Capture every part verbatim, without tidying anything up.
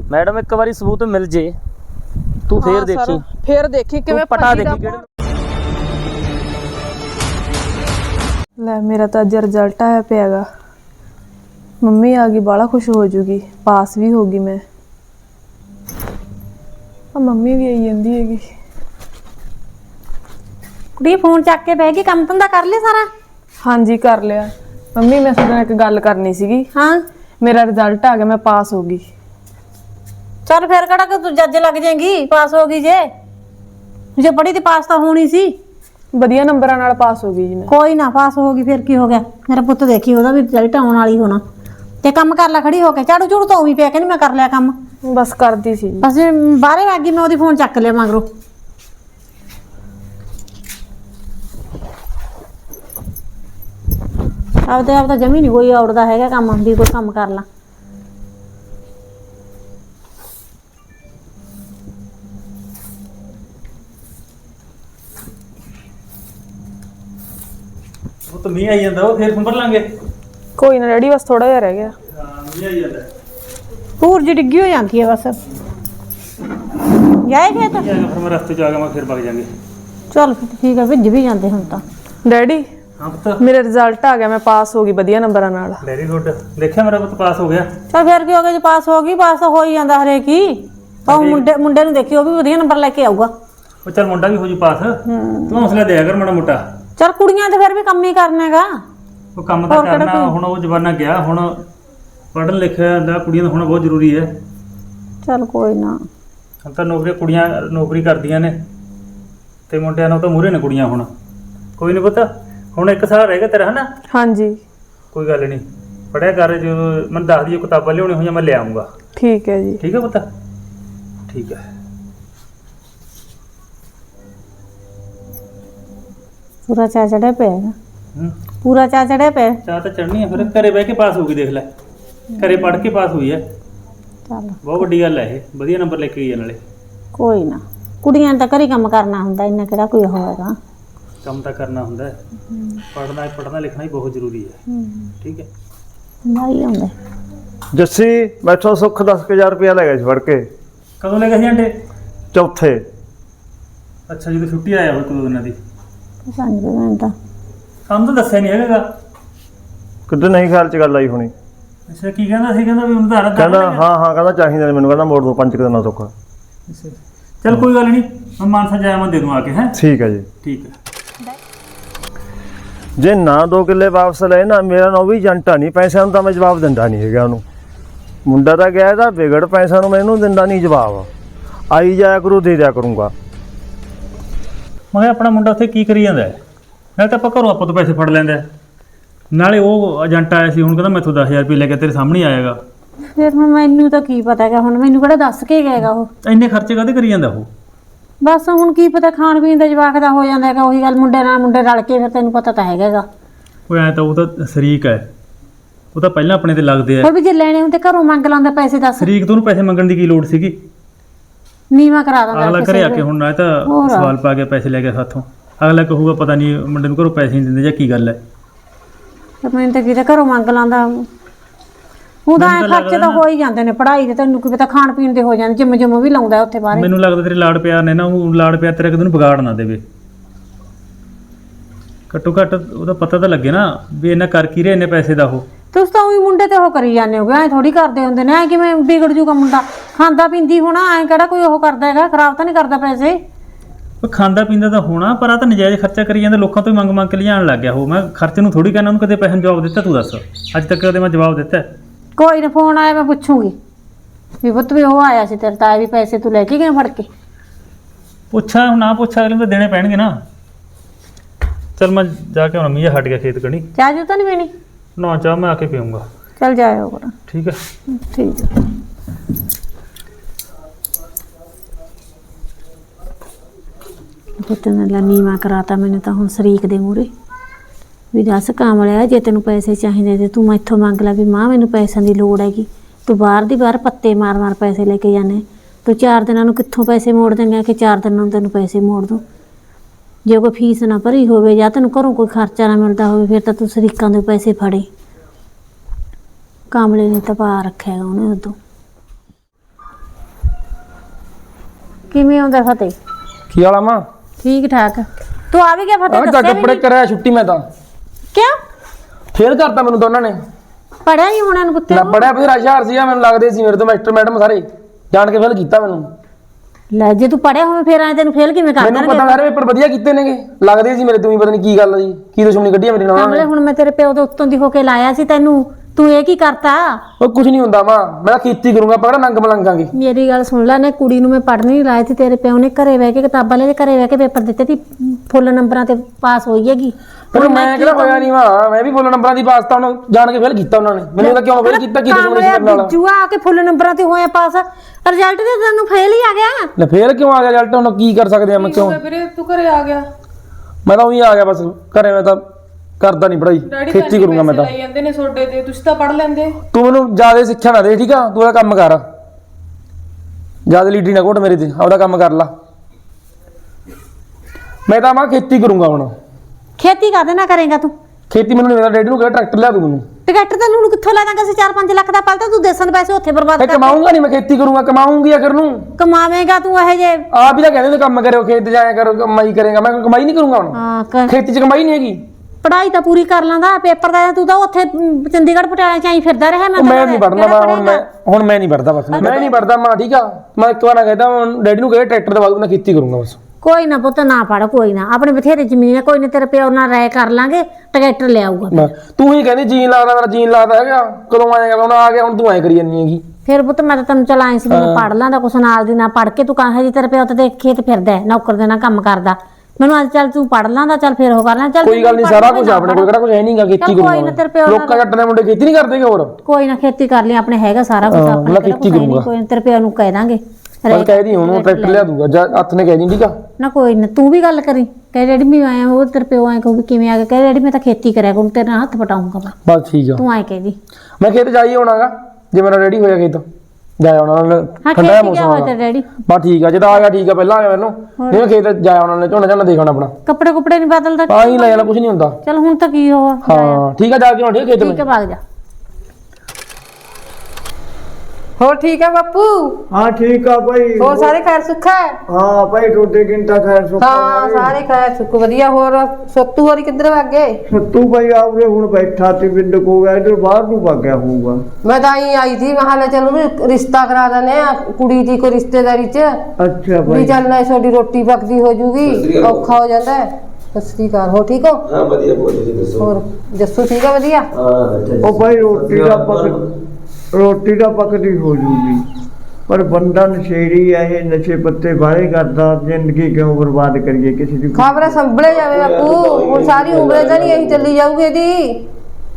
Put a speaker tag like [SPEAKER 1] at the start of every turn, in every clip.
[SPEAKER 1] Madam एक बारी सबूत मिल जे तू फिर
[SPEAKER 2] हाँ
[SPEAKER 1] देखी
[SPEAKER 2] सर, फिर देखी किवें
[SPEAKER 1] पटा
[SPEAKER 2] भज्जी दा
[SPEAKER 1] देखी
[SPEAKER 2] फोन। ਲੈ ਮੇਰਾ ਤਾਂ ਅੱਜ ਰਿਜ਼ਲਟ ਆਇਆ ਪਿਆਗਾ। ਮੰਮੀ ਆ ਗਈ ਬਾਲਾ ਖੁਸ਼ ਹੋ ਜੂਗੀ, ਪਾਸ ਵੀ ਹੋ ਗਈ ਮੈਂ। ਆ ਮੰਮੀ ਵੀ ਆਈ ਜਾਂਦੀ ਹੈਗੀ।
[SPEAKER 3] ਕੁੜੀ ਫੋਨ ਚੱਕ ਕੇ ਬਹਿ ਗਈ, ਕੰਮ ਧੰਦਾ ਕਰ ਲਿਆ ਸਾਰਾ?
[SPEAKER 2] ਹਾਂਜੀ ਕਰ ਲਿਆ। ਮੰਮੀ ਮੈਂ ਤੁਹਾਡੇ ਨਾਲ ਇੱਕ ਗੱਲ ਕਰਨੀ ਸੀਗੀ।
[SPEAKER 3] ਹਾਂ
[SPEAKER 2] ਮੇਰਾ ਰਿਜ਼ਲਟ ਆ ਗਿਆ, ਮੈਂ ਪਾਸ ਹੋ ਗਈ।
[SPEAKER 3] ਚੱਲ ਫਿਰ ਕਿਹੜਾ ਕਿ ਤੂੰ ਜੱਜ ਲੱਗ ਜਾਏਗੀ, ਪਾਸ ਹੋ ਗਈ ਜੇ ਜੇ ਪੜ੍ਹੀ ਤੇ ਪਾਸ ਤਾਂ ਹੋਣੀ ਸੀ।
[SPEAKER 2] ਵਧੀਆ ਨੰਬਰਾਂ ਨਾਲ ਪਾਸ ਹੋ ਗਈ ਜੀ ਮੈਂ।
[SPEAKER 3] ਕੋਈ ਨਾ, ਪਾਸ ਹੋ ਗਈ ਫਿਰ ਕੀ ਹੋ ਗਿਆ। ਮੇਰਾ ਪੁੱਤ ਦੇਖੀ ਉਹਦਾ ਵੀ ਰਿਜ਼ਲਟ ਆਉਣ ਵਾਲੀ ਹੋਣਾ। ਤੇ ਕੰਮ ਕਰ ਲੈ ਖੜੀ ਹੋ ਕੇ, ਝਾੜੂ ਝੂੜੂ ਤਾਂ ਉਵੇਂ ਪਿਆ ਕਿ ਨਹੀਂ ਮੈਂ ਕਰ ਲਿਆ ਕੰਮ।
[SPEAKER 2] ਬਸ ਕਰਦੀ ਸੀ।
[SPEAKER 3] ਬਸ ਜੇ ਬਾਹਰੇ ਲੱਗ ਗਈ ਮੈਂ ਉਹਦੀ ਫੋਨ ਚੱਕ ਲਿਆ ਮਗਰੋਂ। ਆਪਦੇ ਆਪ ਤਾਂ ਜਮੀ ਨਹੀਂ ਕੋਈ ਔੜਦਾ ਹੈਗਾ ਕੰਮ ਵੀ ਕੋਈ ਕੰਮ ਕਰ ਲਾ।
[SPEAKER 4] ਉਹ ਤਾਂ ਮੀਂਹ ਆਈ ਜਾਂਦਾ, ਉਹ ਫੇਰ ਸੰਭਰ ਲਾਂਗੇ।
[SPEAKER 2] ਕੋਈ ਨਾ ਡੈਡੀ, ਬਸ ਥੋੜਾ ਜਿਹਾ ਰਹਿ ਗਿਆ।
[SPEAKER 4] ਹਾਂ ਮੀਂਹ ਆਈ ਜਾਂਦਾ।
[SPEAKER 3] ਪੂਰ ਜੀ ਡਿੱਗੀ ਹੋ ਜਾਂਦੀ ਹੈ ਬਸ। ਜਾਏ ਖੇਤ
[SPEAKER 4] ਜਾਏਗਾ ਫਿਰ ਮੈਂ ਰਸਤੇ ਚ ਆ ਗਿਆ, ਮੈਂ ਫਿਰ ਵਗ ਜਾਾਂਗੇ।
[SPEAKER 3] ਚੱਲ ਠੀਕ ਹੈ, ਭਿੱਜ ਵੀ ਜਾਂਦੇ ਹੁਣ ਤਾਂ।
[SPEAKER 2] ਡੈਡੀ
[SPEAKER 4] ਹਾਂ ਪੁੱਤ,
[SPEAKER 2] ਮੇਰਾ ਰਿਜ਼ਲਟ ਆ ਗਿਆ, ਮੈਂ ਪਾਸ ਹੋ ਗਈ ਵਧੀਆ ਨੰਬਰਾਂ ਨਾਲ।
[SPEAKER 4] Very good. ਦੇਖਿਆ ਮੇਰਾ ਪੁੱਤ ਪਾਸ ਹੋ ਗਿਆ।
[SPEAKER 3] ਚੱਲ ਫਿਰ ਕੀ ਹੋ ਗਿਆ ਜੇ ਪਾਸ ਹੋ ਗਈ, ਪਾਸ ਤਾਂ ਹੋ ਹੀ ਜਾਂਦਾ ਹਰੇਕ ਹੀ। ਉਹ ਮੁੰਡੇ ਮੁੰਡੇ ਨੂੰ ਦੇਖੀ, ਉਹ ਵੀ ਵਧੀਆ ਨੰਬਰ ਲੈ ਕੇ ਆਊਗਾ।
[SPEAKER 4] ਉਹ ਚੱਲ ਮੁੰਡਾ ਵੀ ਹੋ ਜੂ ਪਾਸ। ਤੂੰ ਹੌਸਲਾ ਦਿਆ ਕਰ ਮਾੜਾ ਮੋਟਾ।
[SPEAKER 3] ਚੱਲ ਕੁੜੀਆਂ ਤੇ ਫਿਰ ਵੀ ਕੰਮ ਹੀ ਕਰਨਾ ਹੈਗਾ।
[SPEAKER 4] ਉਹ ਕੰਮ ਤਾਂ ਕਰਨਾ, ਹੁਣ ਉਹ ਜ਼ਮਾਨਾ ਗਿਆ। ਹੁਣ ਪੜ੍ਹਨ ਲਿਖਿਆ ਦਾ ਕੁੜੀਆਂ ਦਾ ਹੋਣਾ ਬਹੁਤ ਜ਼ਰੂਰੀ ਹੈ।
[SPEAKER 3] ਚੱਲ ਕੋਈ ਨਾ,
[SPEAKER 4] ਹੁਣ ਤਾਂ ਨੌਕਰੀ ਕੁੜੀਆਂ ਨੌਕਰੀ ਕਰਦੀਆਂ ਨੇ ਤੇ ਮੁੰਡਿਆਂ ਨੂੰ ਤਾਂ ਮੂਹਰੇ ਨੇ ਕੁੜੀਆਂ। ਹੁਣ ਕੋਈ ਨਹੀਂ ਪੁੱਤ, ਹੁਣ ਇੱਕ ਸਾਲ ਰਹਿ ਗਿਆ ਤੇਰਾ, ਹਨਾ?
[SPEAKER 2] ਹਾਂਜੀ
[SPEAKER 4] ਕੋਈ ਗੱਲ ਨਹੀਂ, ਪੜ੍ਹਿਆ ਕਰ। ਜਦੋਂ ਮੈਨੂੰ ਦੱਸ ਦਿਓ ਕਿਤਾਬਾਂ ਲਿਆਉਣੀਆਂ ਹੋਈਆਂ ਮੈਂ ਲੈ ਆਉਂਗਾ।
[SPEAKER 2] ਠੀਕ ਹੈ ਜੀ।
[SPEAKER 4] ਠੀਕ ਹੈ ਪੁੱਤ, ਠੀਕ ਹੈ।
[SPEAKER 3] ਪੂਰਾ ਚਾਅ ਚੜਿਆ ਪਿਆ ਹੈਗਾ,
[SPEAKER 4] ਹੂੰ,
[SPEAKER 3] ਪੂਰਾ ਚਾਅ ਚੜਿਆ ਪਿਆ।
[SPEAKER 4] ਚਾਹ ਤਾਂ ਚੜ੍ਹਨੀ ਹੈ। ਫਿਰ ਘਰੇ ਬਹਿ ਕੇ ਪਾਸ ਹੋ ਗਈ, ਦੇਖ ਲੈ। ਘਰੇ ਪੜ੍ਹ ਕੇ ਪਾਸ ਹੋਈ ਹੈ,
[SPEAKER 3] ਚੱਲ
[SPEAKER 4] ਬਹੁਤ ਵੱਡੀ ਗੱਲ ਹੈ ਇਹ। ਵਧੀਆ ਨੰਬਰ ਲੈ ਕੇ ਗਈ ਹੈ ਨਾਲੇ।
[SPEAKER 3] ਕੋਈ ਨਾ, ਕੁੜੀਆਂ ਨੇ ਤਾਂ ਘਰੇ ਕੰਮ ਕਰਨਾ ਹੁੰਦਾ, ਇੰਨਾ ਕਿਹੜਾ ਕੋਈ ਹੋਏਗਾ।
[SPEAKER 4] ਕੰਮ ਤਾਂ ਕਰਨਾ ਹੁੰਦਾ ਹੈ। ਪੜ੍ਹਨਾ ਪੜ੍ਹਨਾ ਲਿਖਣਾ ਹੀ ਬਹੁਤ ਜ਼ਰੂਰੀ ਹੈ। ਠੀਕ ਹੈ।
[SPEAKER 3] ਨਹੀਂ ਆਉਂਦਾ
[SPEAKER 5] ਜੱਸੀ ਮੈਥੋਂ ਸੁੱਖ ਦਸ ਹਜ਼ਾਰ ਰੁਪਇਆ ਲੈ ਗਿਆ ਸੀ ਫੜ ਕੇ।
[SPEAKER 4] ਕਦੋਂ ਲੈ ਗਏ ਸੀ ਆਂਡੇ?
[SPEAKER 5] ਚੌਥੇ।
[SPEAKER 4] ਅੱਛਾ, ਜਦੋਂ ਛੁੱਟੀ ਆਇਆ ਹੋਇਆ ਇੱਕ ਦੋ ਦਿਨਾਂ ਦੀ।
[SPEAKER 3] ਪਤਾ ਨਹੀਂ ਮੈਨੂੰ ਤਾਂ।
[SPEAKER 4] ਸਾਨੂੰ ਤਾਂ ਦੱਸਿਆ ਨਹੀਂ ਹੈਗਾ।
[SPEAKER 5] ਕਿਤੇ ਨਹੀਂ ਖਿਆਲ ਚ ਗੱਲ ਆਈ ਹੋਣੀ।
[SPEAKER 4] ਅੱਛਾ, ਕੀ ਕਹਿੰਦਾ ਸੀ? ਕਹਿੰਦਾ ਵੀ ਉਹਨੂੰ ਧਾਰਾ
[SPEAKER 5] ਕਹਿੰਦਾ ਹਾਂ ਹਾਂ ਕਹਿੰਦਾ ਚਾਹੀਦਾ ਨੇ ਮੈਨੂੰ, ਕਹਿੰਦਾ ਮੋੜ ਦੋ ਪੰਜ ਕੁ ਦਿਨਾਂ ਸੁੱਖ।
[SPEAKER 4] ਚਲ ਕੋਈ ਗੱਲ ਨਹੀਂ, ਮੈਂ ਮਾਨਸਾ ਜਾਇਆ ਮੈਂ ਦੇ ਦੂੰ ਆ ਕੇ। ਹੈ
[SPEAKER 5] ਠੀਕ ਹੈ ਜੀ।
[SPEAKER 4] ਠੀਕ ਹੈ।
[SPEAKER 5] ਜੇ ਨਾ ਦੋ ਕਿੱਲੇ ਵਾਪਸ ਲਏ ਨਾ, ਮੇਰਾ ਨਾ ਉਹ ਵੀ ਏਜੰਟਾ ਨਹੀਂ, ਪੈਸਿਆਂ ਨੂੰ ਤਾਂ ਮੈਂ ਜਵਾਬ ਦਿੰਦਾ ਨਹੀਂ ਹੈਗਾ ਉਹਨੂੰ। ਮੁੰਡਾ ਤਾਂ ਗਿਆ ਇਹਦਾ ਵਿਗੜ, ਪੈਸਿਆਂ ਨੂੰ ਮੈਨੂੰ ਦਿੰਦਾ ਨਹੀਂ ਜਵਾਬ। ਆਈ ਜਾਇਆ ਕਰੂ, ਦੇ ਦਿਆ ਕਰੂੰਗਾ।
[SPEAKER 4] ਮੈਂ ਕਿਹਾ ਆਪਣਾ ਮੁੰਡਾ ਉੱਥੇ ਕੀ ਕਰੀ ਜਾਂਦਾ ਹੈ? ਨਾਲੇ ਤਾਂ ਆਪਾਂ ਘਰੋਂ ਆਪਾਂ ਤੋਂ ਪੈਸੇ ਫੜ ਲੈਂਦੇ ਆ, ਨਾਲੇ ਉਹ ਏਜੰਟ ਆਇਆ ਸੀ, ਹੁਣ ਕਹਿੰਦਾ ਮੈਥੋਂ ਦਸ ਹਜ਼ਾਰ ਰੁਪਏ ਲੈ ਕੇ ਤੇਰੇ ਸਾਹਮਣੇ ਆਏਗਾ।
[SPEAKER 3] ਫਿਰ ਹੁਣ ਮੈਨੂੰ ਤਾਂ ਕੀ ਪਤਾ ਹੈਗਾ, ਹੁਣ ਮੈਨੂੰ ਕਿਹੜਾ ਦੱਸ ਕੇ ਗਏਗਾ ਉਹ।
[SPEAKER 4] ਇੰਨੇ ਖਰਚੇ ਕਾਹਦੇ ਕਰੀ ਜਾਂਦਾ ਉਹ?
[SPEAKER 3] ਬਸ ਹੁਣ ਕੀ ਪਤਾ, ਖਾਣ ਪੀਣ ਦਾ ਜਵਾਕ ਦਾ ਹੋ ਜਾਂਦਾ ਹੈਗਾ। ਉਹੀ ਗੱਲ, ਮੁੰਡੇ ਨਾਲ ਮੁੰਡੇ ਰਲ ਕੇ ਫਿਰ ਤੈਨੂੰ ਪਤਾ ਤਾਂ ਹੈਗਾ ਗਾ।
[SPEAKER 4] ਉਹ ਐਂ ਤਾਂ ਉਹ ਤਾਂ ਸ਼ਰੀਕ ਹੈ, ਉਹ ਤਾਂ ਪਹਿਲਾਂ ਆਪਣੇ ਤੇ ਲੱਗਦੇ ਆ।
[SPEAKER 3] ਫਿਰ ਵੀ ਜੇ ਲੈਣੇ ਹੁੰਦੇ ਘਰੋਂ ਮੰਗ ਲਾਂਦਾ ਪੈਸੇ, ਦੱਸ।
[SPEAKER 4] ਸ਼ਰੀਕ ਤੋਂ ਉਹਨੂੰ ਪੈਸੇ ਮੰਗਣ ਦੀ ਕੀ ਲੋੜ ਸੀਗੀ?
[SPEAKER 3] ਨੀਵਾ ਕਰਾ ਦਿੰਦਾ
[SPEAKER 4] ਅਗਲਾ ਘਰੇ ਆ ਕੇ ਹੁਣ ਨਾ ਤਾਂ
[SPEAKER 3] ਹੋਰ।
[SPEAKER 4] ਸਵਾਲ ਪਾ ਕੇ ਪੈਸੇ ਲੈ ਗਿਆ ਸਾਥੋਂ। ਅਗਲਾ ਕਹੂਗਾ ਪਤਾ ਨਹੀਂ ਮੁੰਡੇ ਨੂੰ ਘਰੋਂ ਪੈਸੇ ਨਹੀਂ ਦਿੰਦੇ ਜਾਂ ਕੀ ਗੱਲ ਹੈ।
[SPEAKER 3] ਤੇ ਮੈਨੂੰ ਤਾਂ ਕਿਤੇ ਘਰੋਂ ਮੰਗ ਲਾਂਦਾ। ਉਹਦਾ ਐਂ ਖਰਚੇ ਤਾਂ ਹੋ ਹੀ ਜਾਂਦੇ ਨੇ, ਪੜ੍ਹਾਈ ਦੇ ਤੈਨੂੰ ਕੀ ਪਤਾ, ਖਾਣ ਪੀਣ ਦੇ ਹੋ ਜਾਂਦੇ, ਜਿੰਮ ਜਿੰਮ ਵੀ ਲਾਉਂਦਾ ਉੱਥੇ ਬਾਹਰ।
[SPEAKER 4] ਮੈਨੂੰ ਲੱਗਦਾ ਤੇਰੇ ਲਾੜ ਪਿਆਰ ਨੇ ਨਾ, ਉਹ ਲਾੜ ਪਿਆਰ ਤੇਰਾ ਕਿਤੇ ਨੂੰ ਵਿਗਾੜ ਨਾ ਦੇਵੇ। ਘੱਟੋ ਘੱਟ ਉਹਦਾ ਪਤਾ ਤਾਂ ਲੱਗੇ ਨਾ ਵੀ ਇਹਨਾਂ ਕਰ ਕੀ ਰਿਹਾ ਇੰਨੇ ਪੈਸੇ ਦਾ। ਉਹ
[SPEAKER 3] ਤੁਸੀਂ ਤਾਂ ਉਹੀ ਮੁੰਡੇ ਤੇ ਉਹ ਕਰੀ ਜਾਂਦੇ ਹੋਗੇ, ਐਂ ਥੋੜੀ ਕਰਦੇ ਹੁੰਦੇ ਨੇ। ਐਂ ਕਿਵੇਂ ਵਿਗੜ ਜੂਗਾ ਮੁੰਡਾ? ਖਾਂਦਾ ਪੀਂਦੀ ਹੋਣਾ, ਐਂ ਕਿਹੜਾ ਕੋਈ ਉਹ ਕਰਦਾ ਹੈਗਾ, ਖਰਾਬ ਤਾਂ ਨਹੀਂ ਕਰਦਾ ਪੈਸੇ।
[SPEAKER 4] ਉਹ ਖਾਂਦਾ ਪੀਂਦਾ ਤਾਂ ਹੋਣਾ, ਪਰ ਆ ਤਾਂ ਨਜਾਇਜ਼ ਖਰਚਾ ਕਰੀ ਜਾਂਦਾ, ਲੋਕਾਂ ਤੋਂ ਹੀ ਮੰਗ ਮੰਗ ਕੇ ਲਿਜਾਣ ਲੱਗ ਗਿਆ। ਉਹ ਮੈਂ ਖਰਚੇ ਨੂੰ ਥੋੜੀ ਕਹਿਣਾ, ਉਹਨੂੰ ਕਦੇ ਪੈਸੇ ਨੂੰ ਜਵਾਬ ਦਿੱਤਾ? ਤੂੰ ਦੱਸ, ਅੱਜ ਤੱਕ ਕਦੇ ਮੈਂ ਜਵਾਬ ਦਿੱਤਾ?
[SPEAKER 3] ਕੋਈ ਨਾ, ਫੋਨ ਆਇਆ ਮੈਂ ਪੁੱਛੂਗੀ ਵੀ ਪੁੱਤ ਵੀ ਉਹ ਆਇਆ ਸੀ ਤੇਰੇ ਤਾਏ, ਵੀ ਪੈਸੇ ਤੂੰ ਲੈ ਕੇ ਗਿਆ ਫੜ ਕੇ।
[SPEAKER 4] ਪੁੱਛਾਂ ਨਾ ਪੁੱਛਾਂ, ਅਗਲੇ ਨੂੰ ਤਾਂ ਦੇਣੇ ਪੈਣਗੇ ਨਾ। ਚਲ ਮੈਂ ਜਾ ਕੇ ਹੁਣ ਮੀਂਹ ਹਟ ਗਿਆ ਖੇਤ ਕਣੀ।
[SPEAKER 3] ਚਾਹ ਜੂ ਤਾਂ ਨਹੀਂ ਪੀਣੀ?
[SPEAKER 4] ਨਾ ਚਾਹ ਮੈਂ ਆ ਕੇ ਪੀਊਂਗਾ।
[SPEAKER 3] ਚੱਲ ਜਾਇਓ ਫਿਰ।
[SPEAKER 4] ਠੀਕ ਹੈ।
[SPEAKER 3] ਠੀਕ ਹੈ। ਪੁੱਤ ਨੇ ਲਾ ਨੀਵਾ ਕਰਾਤਾ ਮੈਨੂੰ ਤਾਂ ਹੁਣ ਸ਼ਰੀਕ ਦੇ ਮੂਹਰੇ। ਵੀ ਦੱਸ ਕਾਮਲਿਆ, ਜੇ ਤੈਨੂੰ ਪੈਸੇ ਚਾਹੀਦੇ ਤੇ ਤੂੰ ਮੈਥੋਂ ਮੰਗ ਲੈ ਵੀ ਮਾਂ ਮੈਨੂੰ ਪੈਸਿਆਂ ਦੀ ਲੋੜ ਹੈਗੀ। ਤੂੰ ਬਾਹਰ ਦੀ ਬਾਹਰ ਪੱਤੇ ਮਾਰ ਮਾਰ ਪੈਸੇ ਲੈ ਕੇ ਜਾਣੇ। ਤੂੰ ਚਾਰ ਦਿਨਾਂ ਨੂੰ ਕਿੱਥੋਂ ਪੈਸੇ ਮੋੜ ਦੇਂਗਾ ਕਿ ਚਾਰ ਦਿਨਾਂ ਨੂੰ ਤੈਨੂੰ ਪੈਸੇ ਮੋੜ ਦੂੰ? ਜੇ ਕੋਈ ਫੀਸ ਨਾ ਭਰੀ ਹੋਵੇ ਜਾਂ ਤੈਨੂੰ ਘਰੋਂ ਕੋਈ ਖਰਚਾ ਨਾ ਮਿਲਦਾ ਹੋਵੇ, ਫਿਰ ਤਾਂ ਤੂੰ ਸ਼ਰੀਕਾਂ ਦੇ ਪੈਸੇ ਫੜੇ। ਕਾਮਲੇ ਨੇ ਤਾਂ ਪਾ ਰੱਖਿਆ ਉਹਨੇ ਉਦੋਂ। ਕਿਵੇਂ ਆਉਂਦਾ ਫਤਿਹ?
[SPEAKER 1] ਕੀ ਵਾਲਾ ਮਾਂ?
[SPEAKER 3] ਠੀਕ ਠਾਕ। ਤੂੰ ਆ ਵੀ ਗਿਆ ਫਤਿਹ?
[SPEAKER 1] ਆ
[SPEAKER 3] ਦੱਸਿਆ ਵੀ
[SPEAKER 1] ਕੱਪੜੇ
[SPEAKER 3] ਨਹੀਂ।
[SPEAKER 1] ਕਰਿਆ ਛੁੱਟੀ ਮੈਂ ਤਾਂ
[SPEAKER 3] ਕਿਉਂ?
[SPEAKER 1] ਫੇਰ ਕਰਤਾ ਮੈਨੂੰ ਤਾਂ ਉਹਨਾਂ ਨੇ।
[SPEAKER 3] ਪੜਿਆ ਨਹੀਂ ਹੋਣਾ ਨੂੰ ਕੁੱਤੇ
[SPEAKER 1] ਨਾ
[SPEAKER 3] ਨੂੰ?
[SPEAKER 1] ਪੜਿਆ ਬਥੇਰਾ ਹੁਸ਼ਿਆਰ ਸੀਗਾ, ਮੈਨੂੰ ਲੱਗਦੇ ਸੀ ਮੇਰੇ ਤੋਂ ਮਾਸਟਰ ਮੈਡਮ ਸਾਰੇ ਜਾਣ ਕੇ ਫੇਲ ਕੀਤਾ ਮੈਨੂੰ।
[SPEAKER 3] ਲੈ ਜੇ ਤੂੰ ਪੜਿਆ ਹੋਵੇਂ ਫੇਰ ਐ ਤੈਨੂੰ ਫੇਲ ਕਿਵੇਂ ਕਰ
[SPEAKER 1] ਮੈਨੂੰ ਪਤਾ ਸਾਰੇ ਪੇਪਰ ਵਧੀਆ ਕੀਤੇ ਨੇਗੇ, ਲੱਗਦੇ ਸੀ ਮੇਰੇ ਤੋਂ ਹੀ, ਪਤਾ ਨਹੀਂ ਕੀ ਗੱਲ ਆ ਜੀ, ਕੀ ਦੁਸ਼ਮਣੀ ਕੱਢੀ ਆ ਮੇਰੇ ਨਾਲ ਉਹਨਾਂ
[SPEAKER 3] ਕਮਲੇ
[SPEAKER 1] ਨੇ।
[SPEAKER 3] ਹੁਣ ਮੈਂ ਤੇਰੇ ਪਿਓ ਦੇ ਉੱਤੋਂ ਦੀ ਹੋ ਕੇ ਲਾਇਆ ਸੀ ਤੈਨੂੰ, ਤੂੰ ਇਹ ਕੀ ਕਰਤਾ?
[SPEAKER 1] ਉਹ ਕੁਝ ਨਹੀਂ ਹੁੰਦਾ ਮਾਂ, ਮੈਂ ਤਾਂ ਖੇਤੀ ਕਰੂੰਗਾ, ਪੜਾ ਨੰਗ ਮਲੰਗਾਂਗੇ।
[SPEAKER 3] ਮੇਰੀ ਗੱਲ ਸੁਣ ਲੈ, ਨੇ ਕੁੜੀ ਨੂੰ ਮੈਂ ਪੜ੍ਹਨ ਨਹੀਂ ਲਾਇਆ ਸੀ, ਤੇਰੇ ਪਿਓ ਨੇ ਘਰੇ ਬਹਿ ਕੇ ਕਿਤਾਬਾਂ ਲੈ ਕੇ ਘਰੇ ਬਹਿ ਕੇ ਪੇਪਰ ਦਿੱਤੇ ਸੀ, ਫੁੱਲ ਨੰਬਰਾਂ ਤੇ ਪਾਸ ਹੋਈ ਹੈਗੀ।
[SPEAKER 1] ਪਰ ਮੈਂ ਕਿਹੜਾ ਹੋਇਆ ਨਹੀਂ ਮਾਂ, ਮੈਂ ਵੀ ਫੁੱਲ ਨੰਬਰਾਂ ਦੀ ਪਾਸ ਤਾਂ ਉਹਨੂੰ ਜਾਣ ਕੇ ਫੇਲ ਕੀਤਾ ਉਹਨਾਂ ਨੇ, ਮੈਨੂੰ ਤਾਂ ਕਿਉਂ ਫੇਲ ਕੀਤਾ, ਕੀ ਦੁਸ਼ਮਣੀ ਸੀ ਮੇਰੇ ਨਾਲ?
[SPEAKER 3] ਜੂਆ ਆ ਕੇ ਫੁੱਲ ਨੰਬਰਾਂ ਤੇ ਹੋਇਆ ਪਾਸ, ਰਿਜ਼ਲਟ ਤੇ ਤੈਨੂੰ ਫੇਲ ਹੀ ਆ ਗਿਆ।
[SPEAKER 1] ਲੈ ਫੇਲ ਕਿਉਂ ਆ ਗਿਆ ਰਿਜ਼ਲਟ? ਹੁਣ ਕੀ ਕਰ ਸਕਦੇ ਆ ਮੈਂ, ਕਿਉਂ?
[SPEAKER 2] ਵੀਰੇ ਤੂੰ ਘਰੇ ਆ ਗਿਆ?
[SPEAKER 1] ਮੈਂ ਤਾਂ ਉਹੀ ਆ ਗਿਆ ਬਸ ਘਰੇ, ਮੈਂ ਤਾਂ ਕਰਦਾ ਨਹੀਂ ਪੜਾਈ, ਖੇਤੀ ਕਰੂੰਗਾ ਮੈਂ ਤਾਂ।
[SPEAKER 2] ਲਈ ਜਾਂਦੇ ਨੇ ਛੋਡੇ ਤੇ, ਤੁਸੀਂ ਤਾਂ ਪੜ ਲੈਂਦੇ।
[SPEAKER 1] ਤੂੰ ਮੈਨੂੰ ਜਿਆਦਾ ਸਿੱਖਿਆ ਨਾ ਦੇ, ਠੀਕ ਆ? ਤੂੰ ਇਹਦਾ ਕੰਮ ਕਰ, ਜਿਆਦਾ ਲੀਡਰੀ ਨਾ ਘੋਟ ਮੇਰੇ ਤੇ, ਆਪਦਾ ਕੰਮ ਕਰ ਲਾ। ਮੈਂ ਤਾਂ ਮਾਂ ਖੇਤੀ ਕਰੂੰਗਾ ਹੁਣ।
[SPEAKER 3] ਖੇਤੀ ਕਾਹਦੇ ਨਾਲ ਕਰੇਗਾ ਤੂੰ?
[SPEAKER 1] ਖੇਤੀ ਮੈਨੂੰ ਨਹੀਂ ਪਤਾ, ਡੈਡੀ ਨੂੰ ਕਿਹਾ ਟਰੈਕਟਰ ਲਿਆ ਦੂ ਮੈਨੂੰ।
[SPEAKER 3] ਟਿਕਟ ਤੈਨੂੰ ਹੁਣ ਕਿੱਥੋਂ ਲੈ ਦਾਂਗਾ ਅਸੀਂ? ਚਾਰ ਪੰਜ ਲੱਖ ਦਾ ਪਲਤਾ ਤੂੰ ਦੇਸਾਂ ਦੇ ਪੈਸੇ ਉੱਥੇ ਬਰਬਾਦ
[SPEAKER 1] ਮੈਂ
[SPEAKER 3] ਕਰ
[SPEAKER 1] ਕਮਾਊਂਗਾ ਨਹੀਂ, ਮੈਂ ਖੇਤੀ ਕਰੂੰਗਾ, ਕਮਾਊਂਗੀ ਅਗਰ ਨੂੰ।
[SPEAKER 3] ਕਮਾਵੇਂਗਾ ਤੂੰ ਇਹ ਜੇ?
[SPEAKER 1] ਆਪ ਹੀ ਤਾਂ ਕਹਿੰਦੇ ਨੇ ਕੰਮ ਕਰਿਓ, ਖੇਤ ਜਾਇਆ ਕਰੋ, ਕਮਾਈ ਕਰੇਗਾ। ਮੈਂ ਕਮਾਈ ਨਹੀਂ ਕਰੂੰਗਾ ਹੁਣ,
[SPEAKER 3] ਹਾਂ ਕਰ।
[SPEAKER 1] ਖੇਤੀ 'ਚ ਕਮਾਈ ਨਹੀਂ ਹੈਗੀ।
[SPEAKER 3] ਪੜਾਈ ਤਾਂ ਪੂਰੀ ਕਰ ਲੈਂਦਾ, ਪੇਪਰ ਦਾ ਤੂੰ ਤਾਂ ਉੱਥੇ ਅਮ, ਚੰਡੀਗੜ੍ਹ ਪਟਿਆਲੇ ਚ ਆਈ ਫਿਰਦਾ ਰਿਹਾ।
[SPEAKER 1] ਉਹ ਮੈਂ ਨਹੀਂ ਪੜਦਾ ਮਾਂ, ਹੁਣ ਮੈਂ ਹੁਣ ਮੈਂ ਨਹੀਂ ਪੜਦਾ ਬਸ, ਮੈਂ ਨਹੀਂ ਪੜਦਾ ਮਾਂ, ਠੀਕ ਆ? ਮੈਂ ਇੱਕ ਵਾਰ ਨਾ ਕਹਿੰਦਾ ਡੈਡੀ ਨੂੰ ਕਹੇ ਟਰੈਕਟਰ ਦਵਾ ਦੂ, ਮੈਂ ਖੇਤੀ ਕਰੂੰਗਾ ਬਸ।
[SPEAKER 3] ਕੋਈ ਨਾ ਪੁੱਤ ਨਾ ਪੜ, ਕੋਈ ਨਾ, ਆਪਣੇ ਬਥੇਰੇ ਜ਼ਮੀਨ ਹੈ, ਕੋਈ ਨਾ ਤੇਰੇ ਪਿਓ ਨਾਲ ਰਾਏ ਕਰ ਲਾਂਗੇ, ਟਰੈਕਟਰ ਲਿਆਊਗਾ।
[SPEAKER 1] ਮੈਂ ਤੂੰ ਹੀ ਕਹਿੰਦੀ ਜੀਨ ਲਾਦਾ, ਮੇਰਾ ਜੀਨ ਲਾਦਾ ਹੈਗਾ, ਕਦੋਂ ਆਏਗਾ? ਹੁਣ ਆ ਗਿਆ, ਹੁਣ ਤੂੰ ਐ ਕਰੀ ਜਾਂਦੀ ਹੈਗੀ।
[SPEAKER 3] ਫਿਰ ਪੁੱਤ ਮੈਂ ਤਾਂ ਤੈਨੂੰ ਚਲਾਈ ਸੀ, ਮੈਂ ਪੜ ਲਾਂਦਾ ਕੁਛ ਨਾਲ ਦੀ ਨਾ, ਪੜ ਕੇ ਤੂੰ ਕਹਾਂ ਜੀ ਤੇਰੇ ਪਿਓ ਤੇ ਦੇਖ ਖੇਤ ਫਿਰਦਾ ਹੈ, ਨੌਕਰ ਦੇ ਨਾਲ ਕੰਮ ਕਰਦਾ, ਮੈਨੂੰ ਅੱਜ ਚੱਲ ਤੂੰ ਪੜ ਲਾਂਦਾ, ਚੱਲ ਫਿਰ ਉਹ ਕਰ ਲਾਂ। ਚੱਲ
[SPEAKER 1] ਕੋਈ ਗੱਲ ਨਹੀਂ, ਸਾਰਾ ਕੁਝ ਆਪਣੇ ਕੋਲ, ਕਿਹੜਾ ਕੁਝ ਹੈ ਨਹੀਂਗਾ, ਖੇਤੀ
[SPEAKER 3] ਕੋਈ ਨਾ ਤੇਰੇ ਪਿਓ
[SPEAKER 1] ਕਰੂੰਗਾ।
[SPEAKER 3] ਨਾਲ-
[SPEAKER 1] ਲੋਕਾਂ ਜੱਟ ਦੇ ਮੁੰਡੇ ਖੇਤੀ ਨਹੀਂ ਕਰਦੇ ਹੋਰ?
[SPEAKER 3] ਕੋਈ ਨਾ ਖੇਤੀ ਕਰ ਲਈ, ਆਪਣੇ ਹੈਗਾ ਸਾਰਾ ਕੁਝ,
[SPEAKER 1] ਹਾਂ,
[SPEAKER 3] ਆਪਣੇ
[SPEAKER 1] ਮੈਂ
[SPEAKER 3] ਕਿਹੜਾ
[SPEAKER 1] ਖੇਤੀ
[SPEAKER 3] ਕੁਛ ਹੈ ਨੀ,
[SPEAKER 1] ਕਰੂੰਗਾ।
[SPEAKER 3] ਕੋਈ ਨਾ ਤੇਰੇ ਪਿਓ ਨੂੰ ਕਹਿ ਦਾਂਗੇ।
[SPEAKER 1] ਮੈਂ ਕਹਿ ਦੀ ਹੁਣ, ਉਹ ਟਰੈਕਟਰ ਲਿਆ ਦੂਗਾ, ਜਾਂ ਹੱਥ ਨੇ ਕਹਿ ਦੀ, ਠੀਕ ਆ?
[SPEAKER 3] ਨਾ ਕੋਈ ਨਾ, ਤੂੰ ਵੀ ਗੱਲ ਕਰੀ, ਕਹੇ ਡੈਡੀ ਮੈਂ ਆਇਆ, ਉਹ ਤੇਰੇ ਪਿਓ ਆਏ ਕਹੂਗੀ ਕਿਵੇਂ ਆ ਗਿਆ, ਕਹੇ ਡੈਡੀ ਮੈਂ ਤਾਂ ਖੇਤੀ ਕਰਿਆ ਕਰੂੰ, ਤੇਰੇ ਨਾਲ ਹੱਥ ਪਟਾਉਂਗਾ ਮੈਂ।
[SPEAKER 1] ਬਸ ਠੀਕ ਆ,
[SPEAKER 3] ਤੂੰ ਆਏ ਕਹਿ ਦੀ।
[SPEAKER 1] ਮੈਂ ਖੇਤ ਜਾਈ ਆਉਣਾਗਾ, ਜੇ ਮੇਰਾ ਰੈਡੀ ਹੋਇਆ ਖੇਤ ਜਾਇਆ ਉਹਨਾਂ ਨਾਲ,
[SPEAKER 3] ਹਾਂ
[SPEAKER 1] ਠੰਡਾ
[SPEAKER 3] ਖੇਤ
[SPEAKER 1] ਮੌਸਮ
[SPEAKER 3] ਗਿਆ ਹੋਇਆ
[SPEAKER 1] ਆ।
[SPEAKER 3] ਤੇਰਾ ਡੈਡੀ?
[SPEAKER 1] ਬਸ ਠੀਕ ਆ, ਜੇ ਤਾਂ ਆ ਗਿਆ ਠੀਕ ਆ, ਪਹਿਲਾਂ ਆ ਗਿਆ ਮੈਨੂੰ, ਨਹੀਂ ਮੈਂ ਖੇਤ ਜਾਇਆ ਉਹਨਾਂ ਨੇ, ਝੋਨਾ ਝਾਨਾ ਦੇਖਣਾ ਆਪਣਾ।
[SPEAKER 3] ਕੱਪੜੇ ਕੁਪੜੇ ਨਹੀਂ ਬਦਲਦਾ?
[SPEAKER 1] ਆ ਹੀ ਲੈ ਜਾਣਾ, ਕੁਝ ਨਹੀਂ ਹੁੰਦਾ।
[SPEAKER 3] ਚਲ ਹੁਣ ਤਾਂ ਕੀ ਹੋਆ।
[SPEAKER 1] ਹਾਂ ਠੀਕ ਆ, ਜਾ ਕੇ ਆਉਣਾ, ਠੀਕ ਆ ਖੇਤ
[SPEAKER 3] ਠੀਕ ਹੈ,
[SPEAKER 1] ਮੈਂ।
[SPEAKER 3] ਭਾਗ ਜਾ।
[SPEAKER 2] ਹੋਰ ਠੀਕ ਹੈ ਬਾਪੂ?
[SPEAKER 5] ਹਾਂ ਠੀਕ ਆ ਭਾਈ।
[SPEAKER 2] ਹੋਰ ਸਾਰੇ ਖੈਰ ਸੁੱਖਾ ਹੈ?
[SPEAKER 5] ਹਾਂ ਭਾਈ ਤੁਹਾਡੇ ਕਿੰਤਾ ਖੈਰ ਸੁੱਖਾ
[SPEAKER 2] ਹਾਂ ਸਾਰੇ ਖੈਰ ਸੁੱਖ ਵਧੀਆ। ਹੋਰ ਸੱਤੂ ਹੋਰੀ ਕਿੱਧਰ ਵਗ ਗਏ?
[SPEAKER 5] ਸੱਤੂ ਭਾਈ ਆਪਰੇ ਹੁਣ ਬੈਠਾ ਤੇ ਬਿੰਦ ਕੋ ਗਿਆ, ਇਧਰ ਬਾਹਰ ਨੂੰ ਵਗ ਗਿਆ ਹੋਊਗਾ।
[SPEAKER 2] ਮੈਂ ਤਾਂ ਹੀ ਆਈ ਸੀ, ਮੈਂ ਹਾਲੇ ਚਲੋ ਵੀ ਰਿਸ਼ਤਾ ਕਰਾ ਦਨੇ ਆ ਕੁੜੀ ਦੀ, ਕੋਈ ਰਿਸ਼ਤੇਦਾਰੀ ਚ
[SPEAKER 5] ਅੱਛਾ
[SPEAKER 2] ਵੀ
[SPEAKER 5] ਭਾਈ।
[SPEAKER 2] ਚੱਲ ਨਾ ਤੁਹਾਡੀ ਰੋਟੀ ਪੱਕਦੀ ਹੋ ਜੂਗੀ, ਔਖਾ ਹੋ ਜਾਂਦਾ ਹੈ। ਸਤਿ ਸ੍ਰੀ ਅਕਾਲ। ਹੋ ਠੀਕ ਹੋ?
[SPEAKER 6] ਹਾਂ ਵਧੀਆ ਬਹੁਤ ਤੁਸੀਂ ਦੱਸੋ।
[SPEAKER 2] ਹੋਰ ਜੱਸੂ ਠੀਕ ਹੈ? ਵਧੀਆ।
[SPEAKER 6] ਹਾਂ ਬੈਠੇ
[SPEAKER 5] ਉਹ ਭਾਈ ਰੋਟੀ ਦਾ ਪੱਕ ਰੋਟੀ ਦਾ ਪੱਕਦੀ ਹੋ ਜੂਗੀ, ਪਰ ਬੰਦਾ ਨਸ਼ੇੜੀ ਆ, ਇਹ ਨਸ਼ੇ ਪੱਤੇ ਬਾਹਲੇ ਕਰਦਾ, ਜ਼ਿੰਦਗੀ ਕਿਉਂ ਬਰਬਾਦ ਕਰੀਏ ਕਿਸੇ ਦੀ?
[SPEAKER 2] ਖਬਰ ਸੰਭਲੇ ਜਾਵੇ ਬਾਪੂ, ਹੁਣ ਸਾਰੀ ਉਮਰ ਤਾਂ ਨਹੀਂ ਇਹੀ ਚੱਲੀ ਜਾਊਗੀ ਇਹਦੀ।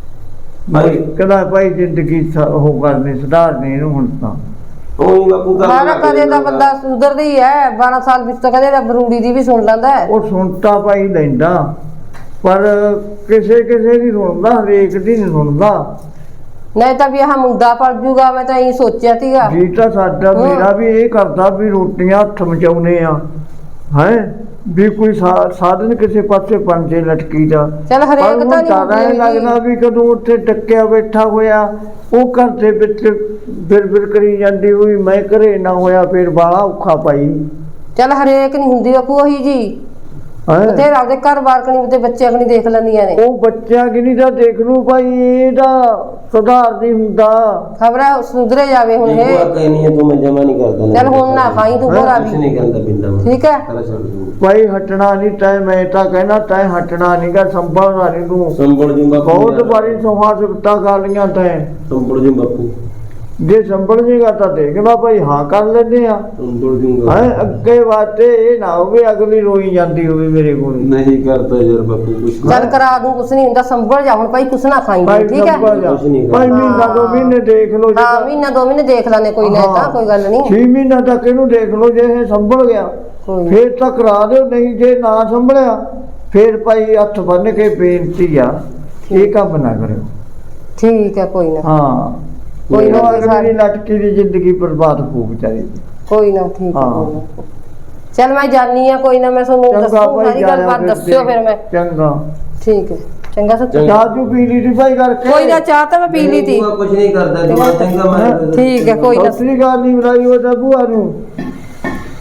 [SPEAKER 5] ਭਾਈ ਕਹਿੰਦਾ ਭਾਈ ਜ਼ਿੰਦਗੀ ਸ- ਉਹ ਕਰਨੀ, ਸੁਧਾਰਨੀ ਇਹਨੂੰ ਹੁਣ ਤਾਂ।
[SPEAKER 6] ਉਹੀ ਬਾਪੂ ਕਰ
[SPEAKER 2] ਸਾਰਾ ਕਦੇ ਦਾ ਬੰਦਾ ਸੁਧਰਦਾ ਹੀ ਹੈ, ਬਾਰਾਂ ਸਾਲ ਵਿੱਚ ਤਾਂ ਕਦੇ ਦਾ ਬਰੂੜੀ ਦੀ ਵੀ ਸੁਣ ਲੈਂਦਾ ਹੈ।
[SPEAKER 5] ਉਹ ਸੁਣਤਾ ਭਾਈ ਲੈਂਦਾ, ਪਰ ਕਿਸੇ ਕਿਸੇ ਦੀ ਸੁਣਦਾ, ਹਰੇਕ ਦੀ ਨਹੀਂ ਸੁਣਦਾ।
[SPEAKER 2] ਨਹੀਂ ਤਾਂ ਵੀ ਆਹ ਮੁੰਡਾ ਪੜ ਜੂਗਾ, ਮੈਂ ਤਾਂ ਇਹੀ ਸੋਚਿਆ ਸੀਗਾ।
[SPEAKER 5] ਜੀ ਤਾਂ ਸਾਡਾ ਮੇਰਾ ਵੀ ਇਹ ਕਰਦਾ ਵੀ ਰੋਟੀਆਂ ਹੱਥ ਮਚਾਉਨੇ ਆ, ਹੈ ਵੀ ਕੋਈ ਸਾ- ਸਾਧਨ ਕਿਸੇ ਪਾਸੇ ਪੰਜੇ ਲਟਕੀ ਦਾ।
[SPEAKER 2] ਚੱਲ ਹਰੇਕ
[SPEAKER 5] ਪਰ
[SPEAKER 2] ਤਾਂ ਨਹੀਂ
[SPEAKER 5] ਤਾਂ
[SPEAKER 2] ਹੁੰਦੀ
[SPEAKER 5] ਲੱਗਦਾ
[SPEAKER 2] ਹੈਗੀ।
[SPEAKER 5] ਵੀ ਕਦੋਂ ਉੱਥੇ ਟੱਕਿਆ ਬੈਠਾ ਹੋਇਆ, ਉਹ ਘਰ ਦੇ ਵਿੱਚ ਬਿਰ ਬਿਰ ਕਰੀ ਜਾਂਦੀ ਹੋਈ, ਮੈਂ ਘਰੇ ਨਾ ਹੋਇਆ, ਫਿਰ ਬਾਲਾ ਔਖਾ ਪਾਈ।
[SPEAKER 2] ਚੱਲ ਹਰੇਕ ਨਹੀਂ ਹੁੰਦੀ ਬਾਪੂ ਉਹੀ ਜੀ,
[SPEAKER 5] ਹੈਂ
[SPEAKER 2] ਬਥੇਰੇ ਆਪਦੇ ਘਰ ਬਾਰ ਕਣੀ ਤੇ ਬੱਚੇ ਕਣੀ ਦੇਖ ਲੈਂਦੀਆਂ ਨੇ।
[SPEAKER 5] ਉਹ ਬੱਚਿਆਂ ਕਿਨੀ ਦਾ ਦੇਖ ਲੂ ਭਾਈ, ਇਹਦਾ ਸੁਧਾਰ ਨਹੀਂ ਹੁੰਦਾ।
[SPEAKER 2] ਖਬਰ ਹੈ ਸੁਧਰੇ ਜਾਵੇ ਹੁਣ
[SPEAKER 6] ਇਹ
[SPEAKER 2] ਇਹ।
[SPEAKER 6] ਕਹਿਨੀ ਹੈ ਤੂੰ, ਮੈਂ ਜਮਾ ਨਹੀਂ ਕਰਦਾ।
[SPEAKER 2] ਚੱਲ ਹੁਣ ਨਾ ਖਾਈ ਤੂੰ ਭੋਰਾ
[SPEAKER 6] ਕੁਛ
[SPEAKER 2] ਵੀ,
[SPEAKER 6] ਨਹੀਂ ਕਰਦਾ ਪਿੰਦਾ ਮੈਂ।
[SPEAKER 2] ਠੀਕ ਹੈ?
[SPEAKER 6] ਪਹਿਲਾਂ ਛੱਡ ਦੂੰ,
[SPEAKER 5] ਭਾਈ ਹਟਣਾ ਨਹੀਂ ਤੈਂ, ਮੈਂ ਤਾਂ ਕਹਿਣਾ ਤੈਂ ਹਟਣਾ ਨਹੀਂ ਗਾ, ਸੰਭਲਣਾ ਨਹੀਂ ਤੂੰ।
[SPEAKER 6] ਸੰਭਲ ਜੂ ਬਾਪੂ।
[SPEAKER 5] ਬਹੁਤ ਵਾਰੀ ਸੋਹਾ ਸਿਫਤਾਂ ਕਰ ਲੀਆਂ ਤੈਂ,
[SPEAKER 6] ਸੰਭਲ ਜੂ ਬਾਪੂ,
[SPEAKER 5] ਜੇ ਸੰਭਲ ਜੇਗਾ ਤਾਂ ਦੇਖ ਲਾ ਭਾਈ, ਹਾਂ ਕਰ ਲੈਂਦੇ ਆ।
[SPEAKER 6] ਸੰਭਲ ਜੂਗਾ।
[SPEAKER 5] ਹੈ ਅੱਗੇ ਵਾਸਤੇ ਇਹ ਨਾ ਹੋਵੇ ਅਗਲੀ ਰੋਈ ਜਾਂਦੀ ਹੋਵੇ ਮੇਰੇ ਕੋਲ।
[SPEAKER 6] ਨਹੀਂ ਕਰਦਾ ਯਾਰ ਬਾਪੂ ਕੁਛ
[SPEAKER 2] ਚੱਲ ਕਰਾ ਦੂੰ, ਕੁਛ ਨਹੀਂ ਹੁੰਦਾ, ਸੰਭਲ ਜਾ ਹੁਣ ਭਾਈ, ਕੁਛ ਨਾ ਖਾਈ
[SPEAKER 5] ਭਾਈ
[SPEAKER 2] ਠੀਕ ਹੈ?
[SPEAKER 5] ਸੰਭਲ ਜਾ
[SPEAKER 6] ਕੁਛ ਨਹੀਂ
[SPEAKER 5] ਭਾਈ, ਮਹੀਨਾ ਦੋ ਮਹੀਨੇ ਦੇਖ ਲਓ, ਜੇ
[SPEAKER 2] ਹਾਂ ਮਹੀਨਾ ਦੋ ਮਹੀਨੇ ਦੇਖ ਲੈਣੇ, ਕੋਈ ਨਾ, ਤਾਂ ਕੋਈ ਗੱਲ ਨਹੀਂ।
[SPEAKER 5] ਛੇ ਮਹੀਨਾ ਤੱਕ ਇਹਨੂੰ ਦੇਖ ਲਓ, ਜੇ ਇਹ ਸੰਭਲ ਗਿਆ
[SPEAKER 2] ਕੋਈ ਨੀ।
[SPEAKER 5] ਫੇਰ ਤਾਂ ਕਰਾ ਦਿਓ, ਨਹੀਂ ਜੇ ਨਾ ਸੰਭਲਿਆ ਫੇਰ ਭਾਈ ਹੱਥ ਬੰਨ ਕੇ ਬੇਨਤੀ ਆ, ਇਹ ਕੰਮ ਨਾ ਕਰਿਓ।
[SPEAKER 2] ਠੀਕ ਹੈ, ਕੋਈ ਨਾ
[SPEAKER 5] ਹਾਂ
[SPEAKER 2] ਕੋਈ ਨਾ,
[SPEAKER 5] ਅਗਲੀ ਦੀ ਲਟਕੀ ਦੀ ਜ਼ਿੰਦਗੀ ਬਰਬਾਦ ਹੋ ਵਿਚਾਰੀ ਦੀ।
[SPEAKER 2] ਕੋਈ ਨਾ, ਠੀਕ ਹੈ,
[SPEAKER 5] ਹਾਂ।
[SPEAKER 2] ਕੋਈ ਨਾ। ਚੱਲ ਮੈਂ ਜਾਨੀ ਆ, ਕੋਈ ਨਾ, ਮੈਂ ਤੁਹਾਨੂੰ
[SPEAKER 5] ਚੰਗਾ
[SPEAKER 2] ਦੱਸੂ
[SPEAKER 5] ਭਾਈ,
[SPEAKER 2] ਸਾਰੀ ਗੱਲਬਾਤ, ਦੱਸਿਓ ਫਿਰ ਮੈਂ।
[SPEAKER 5] ਚੰਗਾ।
[SPEAKER 2] ਠੀਕ ਹੈ, ਚੰਗਾ ਸੱਚ।
[SPEAKER 5] ਚਾਹ ਚੂ ਪੀ ਲਈ ਸੀ ਭਾਈ ਕਰਕੇ?
[SPEAKER 2] ਕੋਈ ਨਾ, ਚਾਹ ਤਾਂ ਮੈਂ ਪੀ ਲਈ ਤੀ।
[SPEAKER 6] ਕੁਛ ਨਹੀਂ ਕਰਦਾ ਤੂੰ, ਚੰਗਾ ਮੈਂ।
[SPEAKER 2] ਠੀਕ ਹੈ, ਕੋਈ ਨਾ।
[SPEAKER 5] ਸਤਿ ਸ੍ਰੀ ਅਕਾਲ ਨਹੀਂ ਬੁਲਾਈ ਉਹ ਤਾਂ ਭੂਆ ਨੂੰ।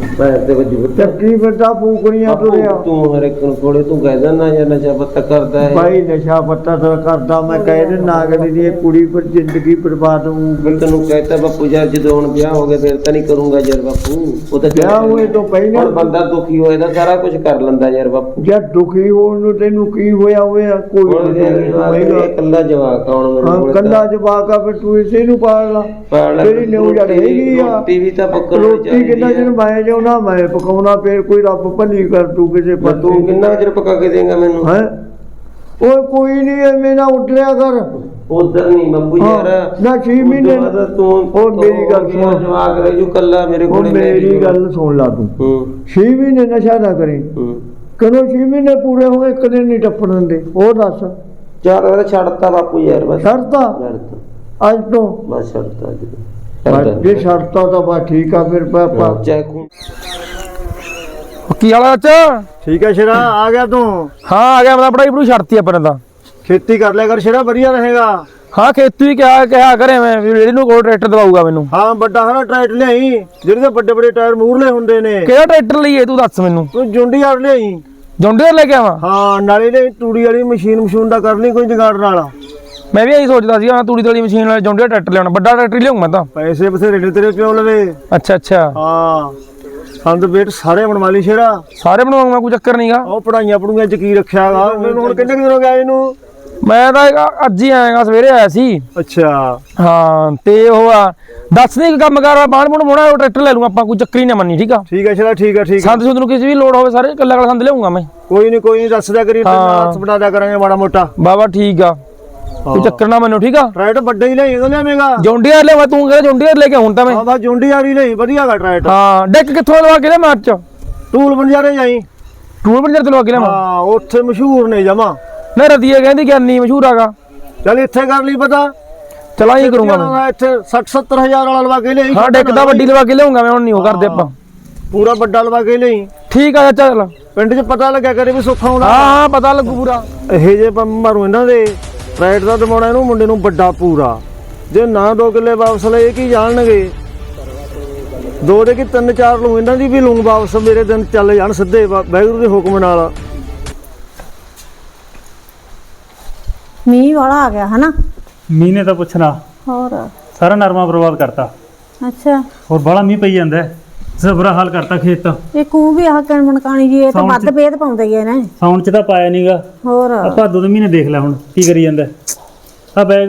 [SPEAKER 6] ਪੈਰ ਤੇ ਵੱਜੀ ਬੱਚਾ
[SPEAKER 5] ਚੱਕੀ ਫਿਰਦਾ ਫੂਕਣੀਆਂ ਤੁਰਿਆ
[SPEAKER 6] ਤੂੰ ਹਰ ਇੱਕ ਨੂੰ ਕੋਲੇ ਤੂੰ ਕਹਿ ਦਿੰਦਾ ਜਾਂ ਨਸ਼ਾ ਪੱਤਾ ਕਰਦਾ ਹੈ
[SPEAKER 5] ਭਾਈ ਨਸ਼ਾ ਪੱਤਾ ਤਾਂ ਕਰਦਾ ਮੈਂ ਕਹਿ ਦਿੰਦਾ ਅਗਲੀ ਦੀ ਇਹ ਕੁੜੀ ਪਰ ਜ਼ਿੰਦਗੀ ਬਰਬਾਦ ਹੋਊ
[SPEAKER 6] ਮੈਂ ਤੈਨੂੰ ਕਹਿਤਾ ਬਾਪੂ ਯਾਰ ਜਦੋਂ ਹੁਣ ਵਿਆਹ ਹੋ ਗਿਆ ਫਿਰ ਤਾਂ ਨਹੀਂ ਕਰੂੰਗਾ ਯਾਰ ਬਾਪੂ ਉਹ ਤਾਂ
[SPEAKER 5] ਵਿਆਹ ਹੋਏ ਤੋਂ ਪਹਿਲਾਂ
[SPEAKER 6] ਹੁਣ ਬੰਦਾ ਦੁਖੀ ਹੋਏ ਤਾਂ ਸਾਰਾ ਕੁਝ ਕਰ ਲੈਂਦਾ ਯਾਰ ਬਾਪੂ
[SPEAKER 5] ਜਦ ਦੁਖੀ ਹੋਣ ਨੂੰ ਤੈਨੂੰ ਕੀ ਹੋਇਆ ਹੋਇਆ ਕੋਈ
[SPEAKER 6] ਹੁਣ
[SPEAKER 5] ਨਹੀਂ ਹੋਏਗਾ।
[SPEAKER 6] ਇਕੱਲਾ ਜਵਾਕ ਆਉਣ ਮੇਰੇ
[SPEAKER 5] ਹਾਂ
[SPEAKER 6] ਕੋਲ
[SPEAKER 5] ਕੱਲਾ ਜਵਾਕ ਆ ਫਿਰ ਤੂੰ ਇਸੇ ਨੂੰ ਪਾਲ ਲਾ
[SPEAKER 6] ਪਾਲ ਲੈ,
[SPEAKER 5] ਤੇਰੀ ਨਿਊ ਜੜ ਹੈਗੀ ਆ
[SPEAKER 6] ਰੋਟੀ ਵੀ ਤਾਂ ਪੱਕਣ
[SPEAKER 5] ਰੋਟੀ ਕਿੰਨਾ ਚਿਰ ਮੈਂ ਜਾਉਣਾ ਮੈਂ ਪਕਾਉਣਾ ਫੇਰ ਕੋਈ ਰੱਬ ਭਲੀ ਕਰ ਤੂੰ ਕਿਸੇ
[SPEAKER 6] ਤੂੰ
[SPEAKER 5] ਪਾਸੇ
[SPEAKER 6] ਕਿੰਨਾ ਚਿਰ ਪਕਾ ਕੇ ਦੇਂਗਾ ਮੈਨੂੰ
[SPEAKER 5] ਹੈ ਓਏ ਕੋਈ ਨਹੀਂ ਐਵੇਂ ਨਾ ਉੱਠਿਆ ਕਰ
[SPEAKER 6] ਉਧਰ ਨਹੀਂ ਬੱਬੂ
[SPEAKER 5] ਹਾਂ,
[SPEAKER 6] ਯਾਰ
[SPEAKER 5] ਨਾ ਛੇ ਮਹੀਨੇ
[SPEAKER 6] ਉਦੋਂ ਬਾਅਦ ਤੂੰ
[SPEAKER 5] ਉਹ ਮੇਰੀ ਗੱਲ
[SPEAKER 6] ਮੇਰਾ
[SPEAKER 5] ਸੁਣ।
[SPEAKER 6] ਜਵਾਕ ਰਹਿ ਜੂ ਕੱਲਾ ਮੇਰੇ
[SPEAKER 5] ਉਹ
[SPEAKER 6] ਕੋਲੇ
[SPEAKER 5] ਮੇਰੀ ਗੱਲ ਸੁਣ ਲਾ ਤੂੰ
[SPEAKER 6] ਹੂੰ
[SPEAKER 5] ਛੇ ਮਹੀਨੇ ਨਸ਼ਾ ਨਾ ਕਰੀ
[SPEAKER 6] ਹੂੰ
[SPEAKER 5] ਕਦੋਂ ਛੇ ਮਹੀਨੇ ਪੂਰੇ ਹੋਏ ਇੱਕ ਦਿਨ ਨਹੀਂ ਟੱਪਣ ਦਿੰਦੇ ਉਹ ਦੱਸ
[SPEAKER 6] ਚਾਰ ਵਾਰ ਛੱਡਤਾ ਬਾਪੂ ਯਾਰ ਬਸ
[SPEAKER 5] ਸ਼ਰਤਾ
[SPEAKER 6] ਛੱਡਤਾ
[SPEAKER 5] ਅੱਜ ਤੋਂ
[SPEAKER 6] ਬਸ ਛੱਡਤਾ ਜੀ
[SPEAKER 5] ਬਸ ਜੇ ਸ਼ਰਤਾ ਤਾਂ ਬਸ ਠੀਕ ਆ ਫਿਰ ਪਾਪਾ
[SPEAKER 6] ਚਾਹ ਖੂਨ
[SPEAKER 1] ਕੀ ਹਾਲ ਚਾਚਾ?
[SPEAKER 5] ਠੀਕ ਹੈ ਸ਼ੇਰਾ ਆ ਗਿਆ ਤੂੰ
[SPEAKER 1] ਹਾਂ ਆ ਗਿਆ ਮੈਂ ਪੜਾਈ ਪੜੂ ਛੱਡਤੀ ਆਪਾਂ ਨੇ ਤਾਂ
[SPEAKER 5] ਖੇਤੀ ਕਰ ਲਿਆ ਕਰ ਸ਼ੇਰਾ ਵਧੀਆ ਰਹੇਗਾ
[SPEAKER 1] ਹਾਂ ਖੇਤੀ ਵੀ ਕਿਹਾ ਕਿਹਾ ਕਰੇ ਮੈਂ ਵੀ ਇਹਨੂੰ ਕੋਲ ਟਰੈਕਟਰ ਦਵਾਊਗਾ ਮੈਨੂੰ।
[SPEAKER 5] ਹਾਂ ਵੱਡਾ ਹਰਾ ਟਰੈਕਟਰ ਲਿਆਈ ਜਿਹੜੇ ਦੇ ਵੱਡੇ ਵੱਡੇ ਟਾਇਰ ਮੂਰਲੇ ਹੁੰਦੇ ਨੇ
[SPEAKER 1] ਕਿਹੜਾ ਟਰੈਕਟਰ ਲਈਏ ਤੂੰ ਦੱਸ ਮੈਨੂੰ।
[SPEAKER 5] ਤੂੰ ਜੁੰਡੀਆਰ ਲਿਆਈ
[SPEAKER 1] ਜੌਂਡੀਅਰ ਲੈ ਕੇ ਆਵਾਂ?
[SPEAKER 5] ਹਾਂ ਨਾਲੇ ਲਈ ਤੂੜੀ ਵਾਲੀ ਮਸ਼ੀਨ ਮਸ਼ੂਨ ਦਾ ਕਰ ਲਈ ਕੋਈ ਜਗਾੜ ਨਾਲ
[SPEAKER 1] ਮੈਂ ਵੀ ਇਹੀ ਸੋਚਦਾ ਸੀ ਹਾਂ ਤੂੜੀ ਤਲੀ ਮਸ਼ੀਨ ਨਾਲ ਜੌਂਡੀਅਰ ਟਰੈਕਟਰ ਲਿਆਉਣਾ ਵੱਡਾ ਟਰੈਕਟਰ ਲਿਆਉਂ ਮੈਂ ਤਾਂ।
[SPEAKER 5] ਪੈਸੇ ਬਥੇਰੇ ਨੇ ਤੇਰੇ ਪਿਓ ਲਵੇ
[SPEAKER 1] ਅੱਛਾ ਅੱਛਾ
[SPEAKER 5] ਹਾਂ ਸੰਦ ਬੇਟ ਸਾਰੇ ਬਣਵਾ ਲਈ ਸ਼ੇਰਾ
[SPEAKER 1] ਸਾਰੇ ਬਣਵਾਉਂਗਾ ਕੋਈ ਚੱਕਰ ਨਹੀਂਗਾ।
[SPEAKER 5] ਉਹ ਪੜਾਈਆਂ ਪੜੂਆਂ ਚ ਕੀ ਰੱਖਿਆਗਾ ਮੈਨੂੰ ਹੁਣ ਕਿੰਨੇ ਕੁ ਦਿਨ ਹੋ ਗਏ ਇਹਨੂੰ
[SPEAKER 1] ਮੈਂ ਤਾਂ ਇਹ ਅੱਜ ਹੀ ਆਇਆਗਾ ਸਵੇਰੇ ਆਇਆ ਸੀ।
[SPEAKER 5] ਅੱਛਾ
[SPEAKER 1] ਹਾਂ ਤੇ ਉਹ ਆ ਦੱਸ ਦੇ ਕੰਮ ਕਰ ਬਾਣ ਬੁਣ ਮੋਣਾ ਉਹ ਟਰੈਕਟਰ ਲੈ ਲੂੰ ਆਪਾਂ ਕੋਈ ਚੱਕਰ ਹੀ ਨਾ ਮੰਨੀ ਠੀਕ ਆ।
[SPEAKER 5] ਠੀਕ ਹੈ ਸ਼ੇਰਾ ਠੀਕ ਹੈ ਠੀਕ ਹੈ
[SPEAKER 1] ਸੰਦ ਸੁੰਦ ਨੂੰ ਕਿਸੇ ਵੀ ਲੋੜ ਹੋਵੇ ਸਾਰੇ ਕੱਲਾ ਕੱਲਾ ਸੰਦ ਲਿਆਉਂਗਾ ਮੈਂ।
[SPEAKER 5] ਕੋਈ ਨਹੀਂ ਕੋਈ ਨਹੀਂ ਦੱਸ ਦਿਆ ਕਰੀ
[SPEAKER 1] ਹਾਂ।
[SPEAKER 5] ਹੱਥ ਬਣਾ ਦਿਆ ਕਰਾਂਗੇ ਮਾੜਾ ਮੋਟਾ
[SPEAKER 1] ਬਾਬਾ ਠੀਕ ਆ ਕੋਈ ਚੱਕਰ ਨਾ ਮੰਨੋ ਠੀਕ ਆ।
[SPEAKER 5] ਟਰੈਕਟਰ ਵੱਡਾ ਹੀ ਲਈ ਉਹ ਲਿਆਵੇਂਗਾ
[SPEAKER 1] ਜੌਂਡੀਅਰ ਲੈ ਮੈਂ ਤੂੰ ਕਹਿੰਦਾ ਜੌਂਡੀਅਰ ਲੈ ਕੇ ਹੁਣ ਤਾਂ ਮੈਂ।
[SPEAKER 5] ਹਾਂ ਬਸ ਜੁੰਡੀਆਰ ਹੀ ਲਈ ਵਧੀਆਗਾ ਟਰੈਕਟਰ
[SPEAKER 1] ਹਾਂ ਡੈਕ ਕਿੱਥੋਂ ਲਵਾ ਕੇ ਲੈ ਮਾਰ ਚ
[SPEAKER 5] ਟੂਲ ਬੰਜਾਰੇ ਜਾਈ
[SPEAKER 1] ਟੂਲ ਬੰਜਰ ਤੇ ਲਵਾ ਕੇ ਲੈ ਮੈਂ।
[SPEAKER 5] ਹਾਂ ਉੱਥੇ ਮਸ਼ਹੂਰ ਨੇ ਜਮਾ
[SPEAKER 1] ਨਾ ਰਦੀਏ ਕਹਿੰਦੀ ਗਿਆਨੀ ਮਸ਼ਹੂਰ ਆਗਾ।
[SPEAKER 5] ਚੱਲ ਇੱਥੇ ਕਰ ਲਈ ਪਤਾ
[SPEAKER 1] ਚਲਾ ਹੀ ਕਰੂੰਗਾ ਮੈਂ।
[SPEAKER 5] ਇੱਥੇ ਸੱਠ ਸੱਤਰ ਹਜ਼ਾਰ ਵਾਲਾ ਲਵਾ ਕੇ ਲਈ
[SPEAKER 1] ਹਾਂ ਡੈਕ ਦਾ ਵੱਡੀ ਲਵਾ ਕੇ ਲਿਆਉਂਗਾ ਮੈਂ ਹੁਣ ਨਹੀਂ ਉਹ ਕਰਦੇ ਆਪਾਂ।
[SPEAKER 5] ਪੂਰਾ ਵੱਡਾ ਲਵਾ ਕੇ ਲਈ
[SPEAKER 1] ਠੀਕ ਆ ਚਾਚਾ ਚੱਲ।
[SPEAKER 5] ਪਿੰਡ 'ਚ ਪਤਾ ਲੱਗਿਆ ਕਰੇ ਵੀ ਸੁੱਖਾ ਆਉਂਦਾ
[SPEAKER 1] ਹਾਂ ਹਾਂ ਪਤਾ ਲੱਗੂ ਪੂਰਾ।
[SPEAKER 5] ਇਹ ਜੇ ਮਾਰੂ ਇਹਨਾਂ ਦੇ ਰਾਈਟ ਦਾ ਦਮਾਉਣਾ ਇਹਨੂੰ ਮੁੰਡੇ ਨੂੰ ਵੱਡਾ ਪੂਰਾ ਜੇ ਨਾ ਦੋ ਕਿੱਲੇ ਵਾਪਸ ਲਏ ਕੀ ਜਾਣਨਗੇ ਦੋ ਦੇ ਕੀ ਤਿੰਨ ਚਾਰ ਲੂ ਇਹਨਾਂ ਦੀ ਵੀ ਲੂੰ ਵਾਪਸ ਮੇਰੇ ਦਿਨ ਚੱਲ ਜਾਣ ਸਿੱਧੇ ਵਾ- ਵਾਹਿਗੁਰੂ ਦੇ ਹੁਕਮ ਨਾਲ
[SPEAKER 3] ਮੀਂਹ ਵਾਲਾ ਆ ਗਿਆ ਹਨਾ।
[SPEAKER 4] ਮੀਂਹ ਨੇ ਤਾਂ ਪੁੱਛਣਾ
[SPEAKER 3] ਹੋਰ
[SPEAKER 4] ਸਾਰਾ ਨਰਮਾ ਬਰਬਾਦ ਕਰਤਾ।
[SPEAKER 3] ਅੱਛਾ
[SPEAKER 4] ਹੋਰ ਬਾਹਲਾ ਮੀਂਹ ਪਈ ਜਾਂਦਾ ਹੈ ਜ਼ਬਰਾ ਹਾਲ ਕਰਤਾ ਖੇਤ ਤਾਂ।
[SPEAKER 3] ਇਹ ਕੂ ਵੀ ਆਹ ਕਣ ਮਨਕਾਣੀ ਜੀ ਇਹ ਤਾਂ
[SPEAKER 4] ਸਾਉਣ
[SPEAKER 3] ਵੱਧ
[SPEAKER 4] ਚ-
[SPEAKER 3] ਭੇਦ ਪਾਉਂਦੇ ਗਏ ਨੇ।
[SPEAKER 4] ਸਾਉਣ ਚ ਤਾਂ ਪਾਇਆ ਨਹੀਂਗਾ।
[SPEAKER 3] ਹੋਰ
[SPEAKER 4] ਆ ਭਾਦੋ ਦੇ ਮਹੀਨੇ ਦੇਖ ਲੈ ਹੁਣ ਕੀ ਕਰੀ ਜਾਂਦਾ ਆ ਬੈਗ।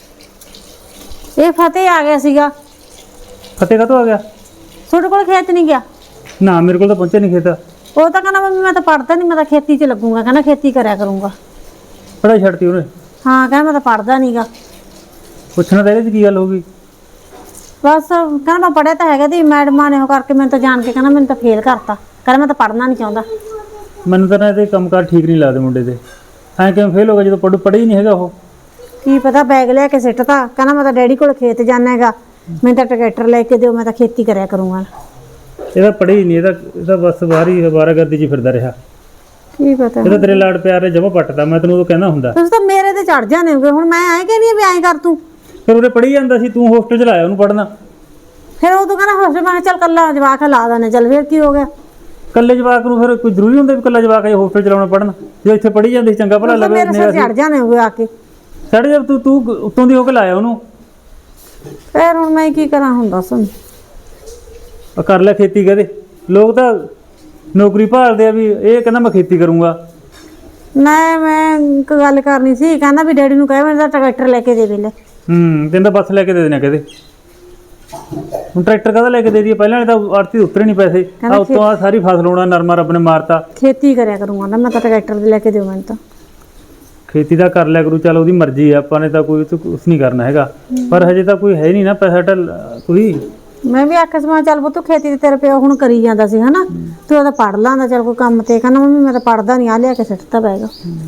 [SPEAKER 3] ਇਹ ਫਤਿਹ ਆ ਗਿਆ ਸੀਗਾ
[SPEAKER 4] ਫਤਿਹ ਕਾਹਤੋਂ ਆ ਗਿਆ?
[SPEAKER 3] ਤੁਹਾਡੇ ਕੋਲ ਖੇਤ ਨਹੀਂ ਗਿਆ?
[SPEAKER 4] ਨਾ ਮੇਰੇ ਕੋਲ ਤਾਂ ਪਹੁੰਚਿਆ ਨਹੀਂ ਖੇਤ।
[SPEAKER 3] ਉਹ ਤਾਂ ਕਹਿੰਦਾ ਮੰਮੀ ਮੈਂ ਤਾਂ ਪੜਦਾ ਨਹੀਂ ਮੈਂ ਤਾਂ ਖੇਤੀ 'ਚ ਲੱਗੂਗਾ ਕਹਿੰਦਾ ਖੇਤੀ ਕਰਿਆ ਕਰੂੰਗਾ।
[SPEAKER 4] ਪੜਾਈ ਛੱਡਤੀ ਉਹਨੇ।
[SPEAKER 3] ਹਾਂ ਕਹਿੰਦਾ ਮੈਂ ਤਾਂ ਪੜਦਾ ਨਹੀਂਗਾ।
[SPEAKER 4] ਪੁੱਛਣਾ ਤਾਂ ਇਹਦੇ ਚ ਕੀ ਗੱਲ ਹੋ ਗਈ?
[SPEAKER 3] ਬਸ ਕਹਿੰਦਾ ਮੈਂ ਪੜਿਆ ਤਾਂ ਹੈਗਾ ਤੇ ਮੈਡਮਾਂ ਨੇ ਉਹ ਕਰਕੇ ਮੈਨੂੰ ਤਾਂ ਜਾਣ ਕੇ ਕਹਿੰਦਾ ਮੈਨੂੰ ਤਾਂ ਫੇਲ ਕਰਤਾ ਕਹਿੰਦਾ ਮੈਂ ਤਾਂ ਪੜਨਾ ਨਹੀਂ ਚਾਹੁੰਦਾ।
[SPEAKER 4] ਮੈਨੂੰ ਤਾਂ ਨਾ ਇਹਦੇ ਕੰਮਕਾਰ ਠੀਕ ਨਹੀਂ ਲੱਗਦੇ ਮੁੰਡੇ ਦੇ। ਐਂ ਕਿਵੇਂ ਫੇਲ ਹੋ ਗਿਆ ਜਦੋਂ ਪੜ੍ਹ ਪੜ੍ਹੀ ਨਹੀਂ ਹੈਗਾ ਉਹ।
[SPEAKER 3] ਕੀ ਪਤਾ ਬੈਗ ਲਿਆ ਕੇ ਸਿੱਟਤਾ ਕਹਿੰਦਾ ਮੈਂ ਤਾਂ ਡੈਡੀ ਕੋਲ ਖੇਤ ਜਾਣਾ ਹੈਗਾ ਮੈਨੂੰ ਤਾਂ ਟਰੈਕਟਰ ਲੈ ਕੇ ਦਿਓ ਮੈਂ ਤਾਂ ਖੇਤੀ ਕਰਿਆ ਕਰੂੰਗਾ।
[SPEAKER 4] ਇਹਦਾ ਪੜ੍ਹੀ ਨਹੀਂ ਇਹਦਾ ਇਹਦਾ ਬਸ ਬਾਹਰੀ ਅਵਾਰਾਗਰਦੀ 'ਚ ਫਿਰਦਾ ਰਿਹਾ।
[SPEAKER 3] ਕੀ ਪਤਾ
[SPEAKER 4] ਇਹਦਾ ਤੇਰੇ ਲਾਡ ਪਿਆਰ ਨੇ ਜਮਾ ਪੱਟਦਾ। ਮੈਂ ਤੈਨੂੰ ਉਦੋਂ ਕਹਿੰਦਾ ਹੁੰਦਾ।
[SPEAKER 3] ਤੁਸੀਂ ਤਾਂ ਮੇਰੇ ਤੇ ਚੜ ਜਾਣੇ ਹੋਗੇ ਹੁਣ ਮੈਂ ਐਂ ਕਹਿੰਦੀ ਵੀ ਐਂ ਕਰ ਤੂੰ।
[SPEAKER 4] ਫਿਰ ਉਹਨੇ ਪੜ੍ਹੀ ਜਾਂਦਾ ਸੀ ਤੂੰ ਹੋਸਟਲ 'ਚ ਲਾਇਆ ਉਹਨੂੰ ਪੜ੍ਹਨਾ।
[SPEAKER 3] ਫਿਰ ਉਹ ਤੋਂ ਕਹਿੰਦਾ ਹੋਸਟਲ ਮੈਂ ਕਿਹਾ ਚੱਲ ਕੱਲਾ ਜਵਾਕ ਲਾ ਦਾਨੇ ਚੱਲ ਫਿਰ ਕੀ ਹੋ ਗਿਆ।
[SPEAKER 4] ਕੱਲੇ ਜਵਾਕ ਨੂੰ ਫਿਰ ਕੋਈ ਜ਼ਰੂਰੀ ਹੁੰਦਾ ਵੀ ਕੱਲਾ ਜਵਾਕ ਇਹ ਹੋਸਟਲ 'ਚ ਲਾਉਣਾ ਪੜ੍ਹਨ? ਜੇ ਇੱਥੇ ਪੜ੍ਹੀ ਜਾਂਦੀ ਸੀ ਚੰਗਾ ਭਲਾ
[SPEAKER 3] ਤੁਸੀਂ ਤਾਂ
[SPEAKER 4] ਲੱਗੇ
[SPEAKER 3] ਮੇਰੇ ਸਿਰ ਚੜ ਜਾਣੇ ਹੋਗੇ ਆ ਕੇ।
[SPEAKER 4] ਛੱਡ ਜਾ ਤੂੰ ਤੂੰ ਉੱਤੋਂ ਦੀ ਹੋ ਕੇ ਲਾਇਆ ਉਹਨੂੰ।
[SPEAKER 3] ਫਿਰ ਹੁਣ ਮੈਂ ਕੀ ਕਰਾਂ ਹੁਣ ਦੱਸ।
[SPEAKER 4] ਆ ਕਰ ਲੈ ਖੇਤੀ ਕਹਦੇ। ਲੋਕ ਤਾਂ ਨੌਕਰੀ ਭਾਲਦੇ ਆ ਵੀ ਇਹ ਕਹਿੰਦਾ ਮੈਂ ਖੇਤੀ ਕਰੂੰਗਾ।
[SPEAKER 3] ਮੈਂ ਮੈਂ ਇੱਕ ਗੱਲ ਕਰਨੀ ਸੀ ਕਹਿੰਦਾ ਵੀ ਡੈਡੀ ਨੂੰ ਕਹਿ ਮੈਨੂੰ ਤਾਂ ਟਰੈਕਟਰ ਲੈ ਕੇ ਦੇ ਵੇਲੇ।
[SPEAKER 4] ਹੂੰ ਤੈਨੂੰ ਤਾਂ ਬੱਸ ਲੈ ਕੇ ਦੇ ਦੇਣਾ ਕਹਦੇ। ਹੁਣ ਟਰੈਕਟਰ ਕਾਹਦਾ ਲੈ ਕੇ ਦੇ ਦਈਏ? ਪਹਿਲਾਂ ਵਾਲੇ ਤਾਂ ਆੜਤੀ ਉਤਰੇ ਨਹੀਂ ਪੈਸੇ। ਆ ਉੱਤੋਂ ਆ ਸਾਰੀ ਫਸਲ ਹੋਣਾ ਨਰਮਾ ਰੱਬ ਨੇ ਮਾਰਤਾ।
[SPEAKER 3] ਖੇਤੀ ਕਰਿਆ ਕਰੂੰਗਾ ਨਾ ਮੈਂ ਤਾਂ ਟਰੈਕਟਰ ਦੇ ਲੈ ਕੇ ਦਿਓ ਮੈਨੂੰ ਤਾਂ।
[SPEAKER 4] ਖੇਤੀ ਦਾ ਕਰ ਲਿਆ ਕਰੂ ਚੱਲ ਉਹਦੀ ਮਰਜ਼ੀ ਆ ਆਪਾਂ ਨੇ ਤਾਂ ਕੋਈ ਕੁਛ ਨਹੀਂ ਕਰਨਾ ਹੈਗਾ। ਪਰ ਹਜੇ ਤਾਂ ਕੋਈ ਹੈ ਨਹੀਂ ਨਾ ਪੈਸਾ ਢਲ ਕੋਈ।
[SPEAKER 3] ਮੈਂ ਵੀ ਆਖਿਆ ਸੀ ਮੈਂ ਚੱਲ ਪੁੱਤ ਖੇਤੀ ਤੇ ਤੇਰੇ ਪਿਓ ਹੁਣ ਕਰੀ ਜਾਂਦਾ ਸੀ ਹਨਾ ਤੂੰ ਉਹਦਾ ਪੜ ਲਾਂਦਾ ਚੱਲ ਕੋਈ ਕੰਮ ਤੇ। ਕਹਿੰਦਾ ਮੰਮੀ ਮੈਂ ਤਾਂ ਪੜਦਾ ਨਹੀਂ ਆ ਲਿਆ ਕੇ ਸਿੱਟਤਾ ਬੈਗ।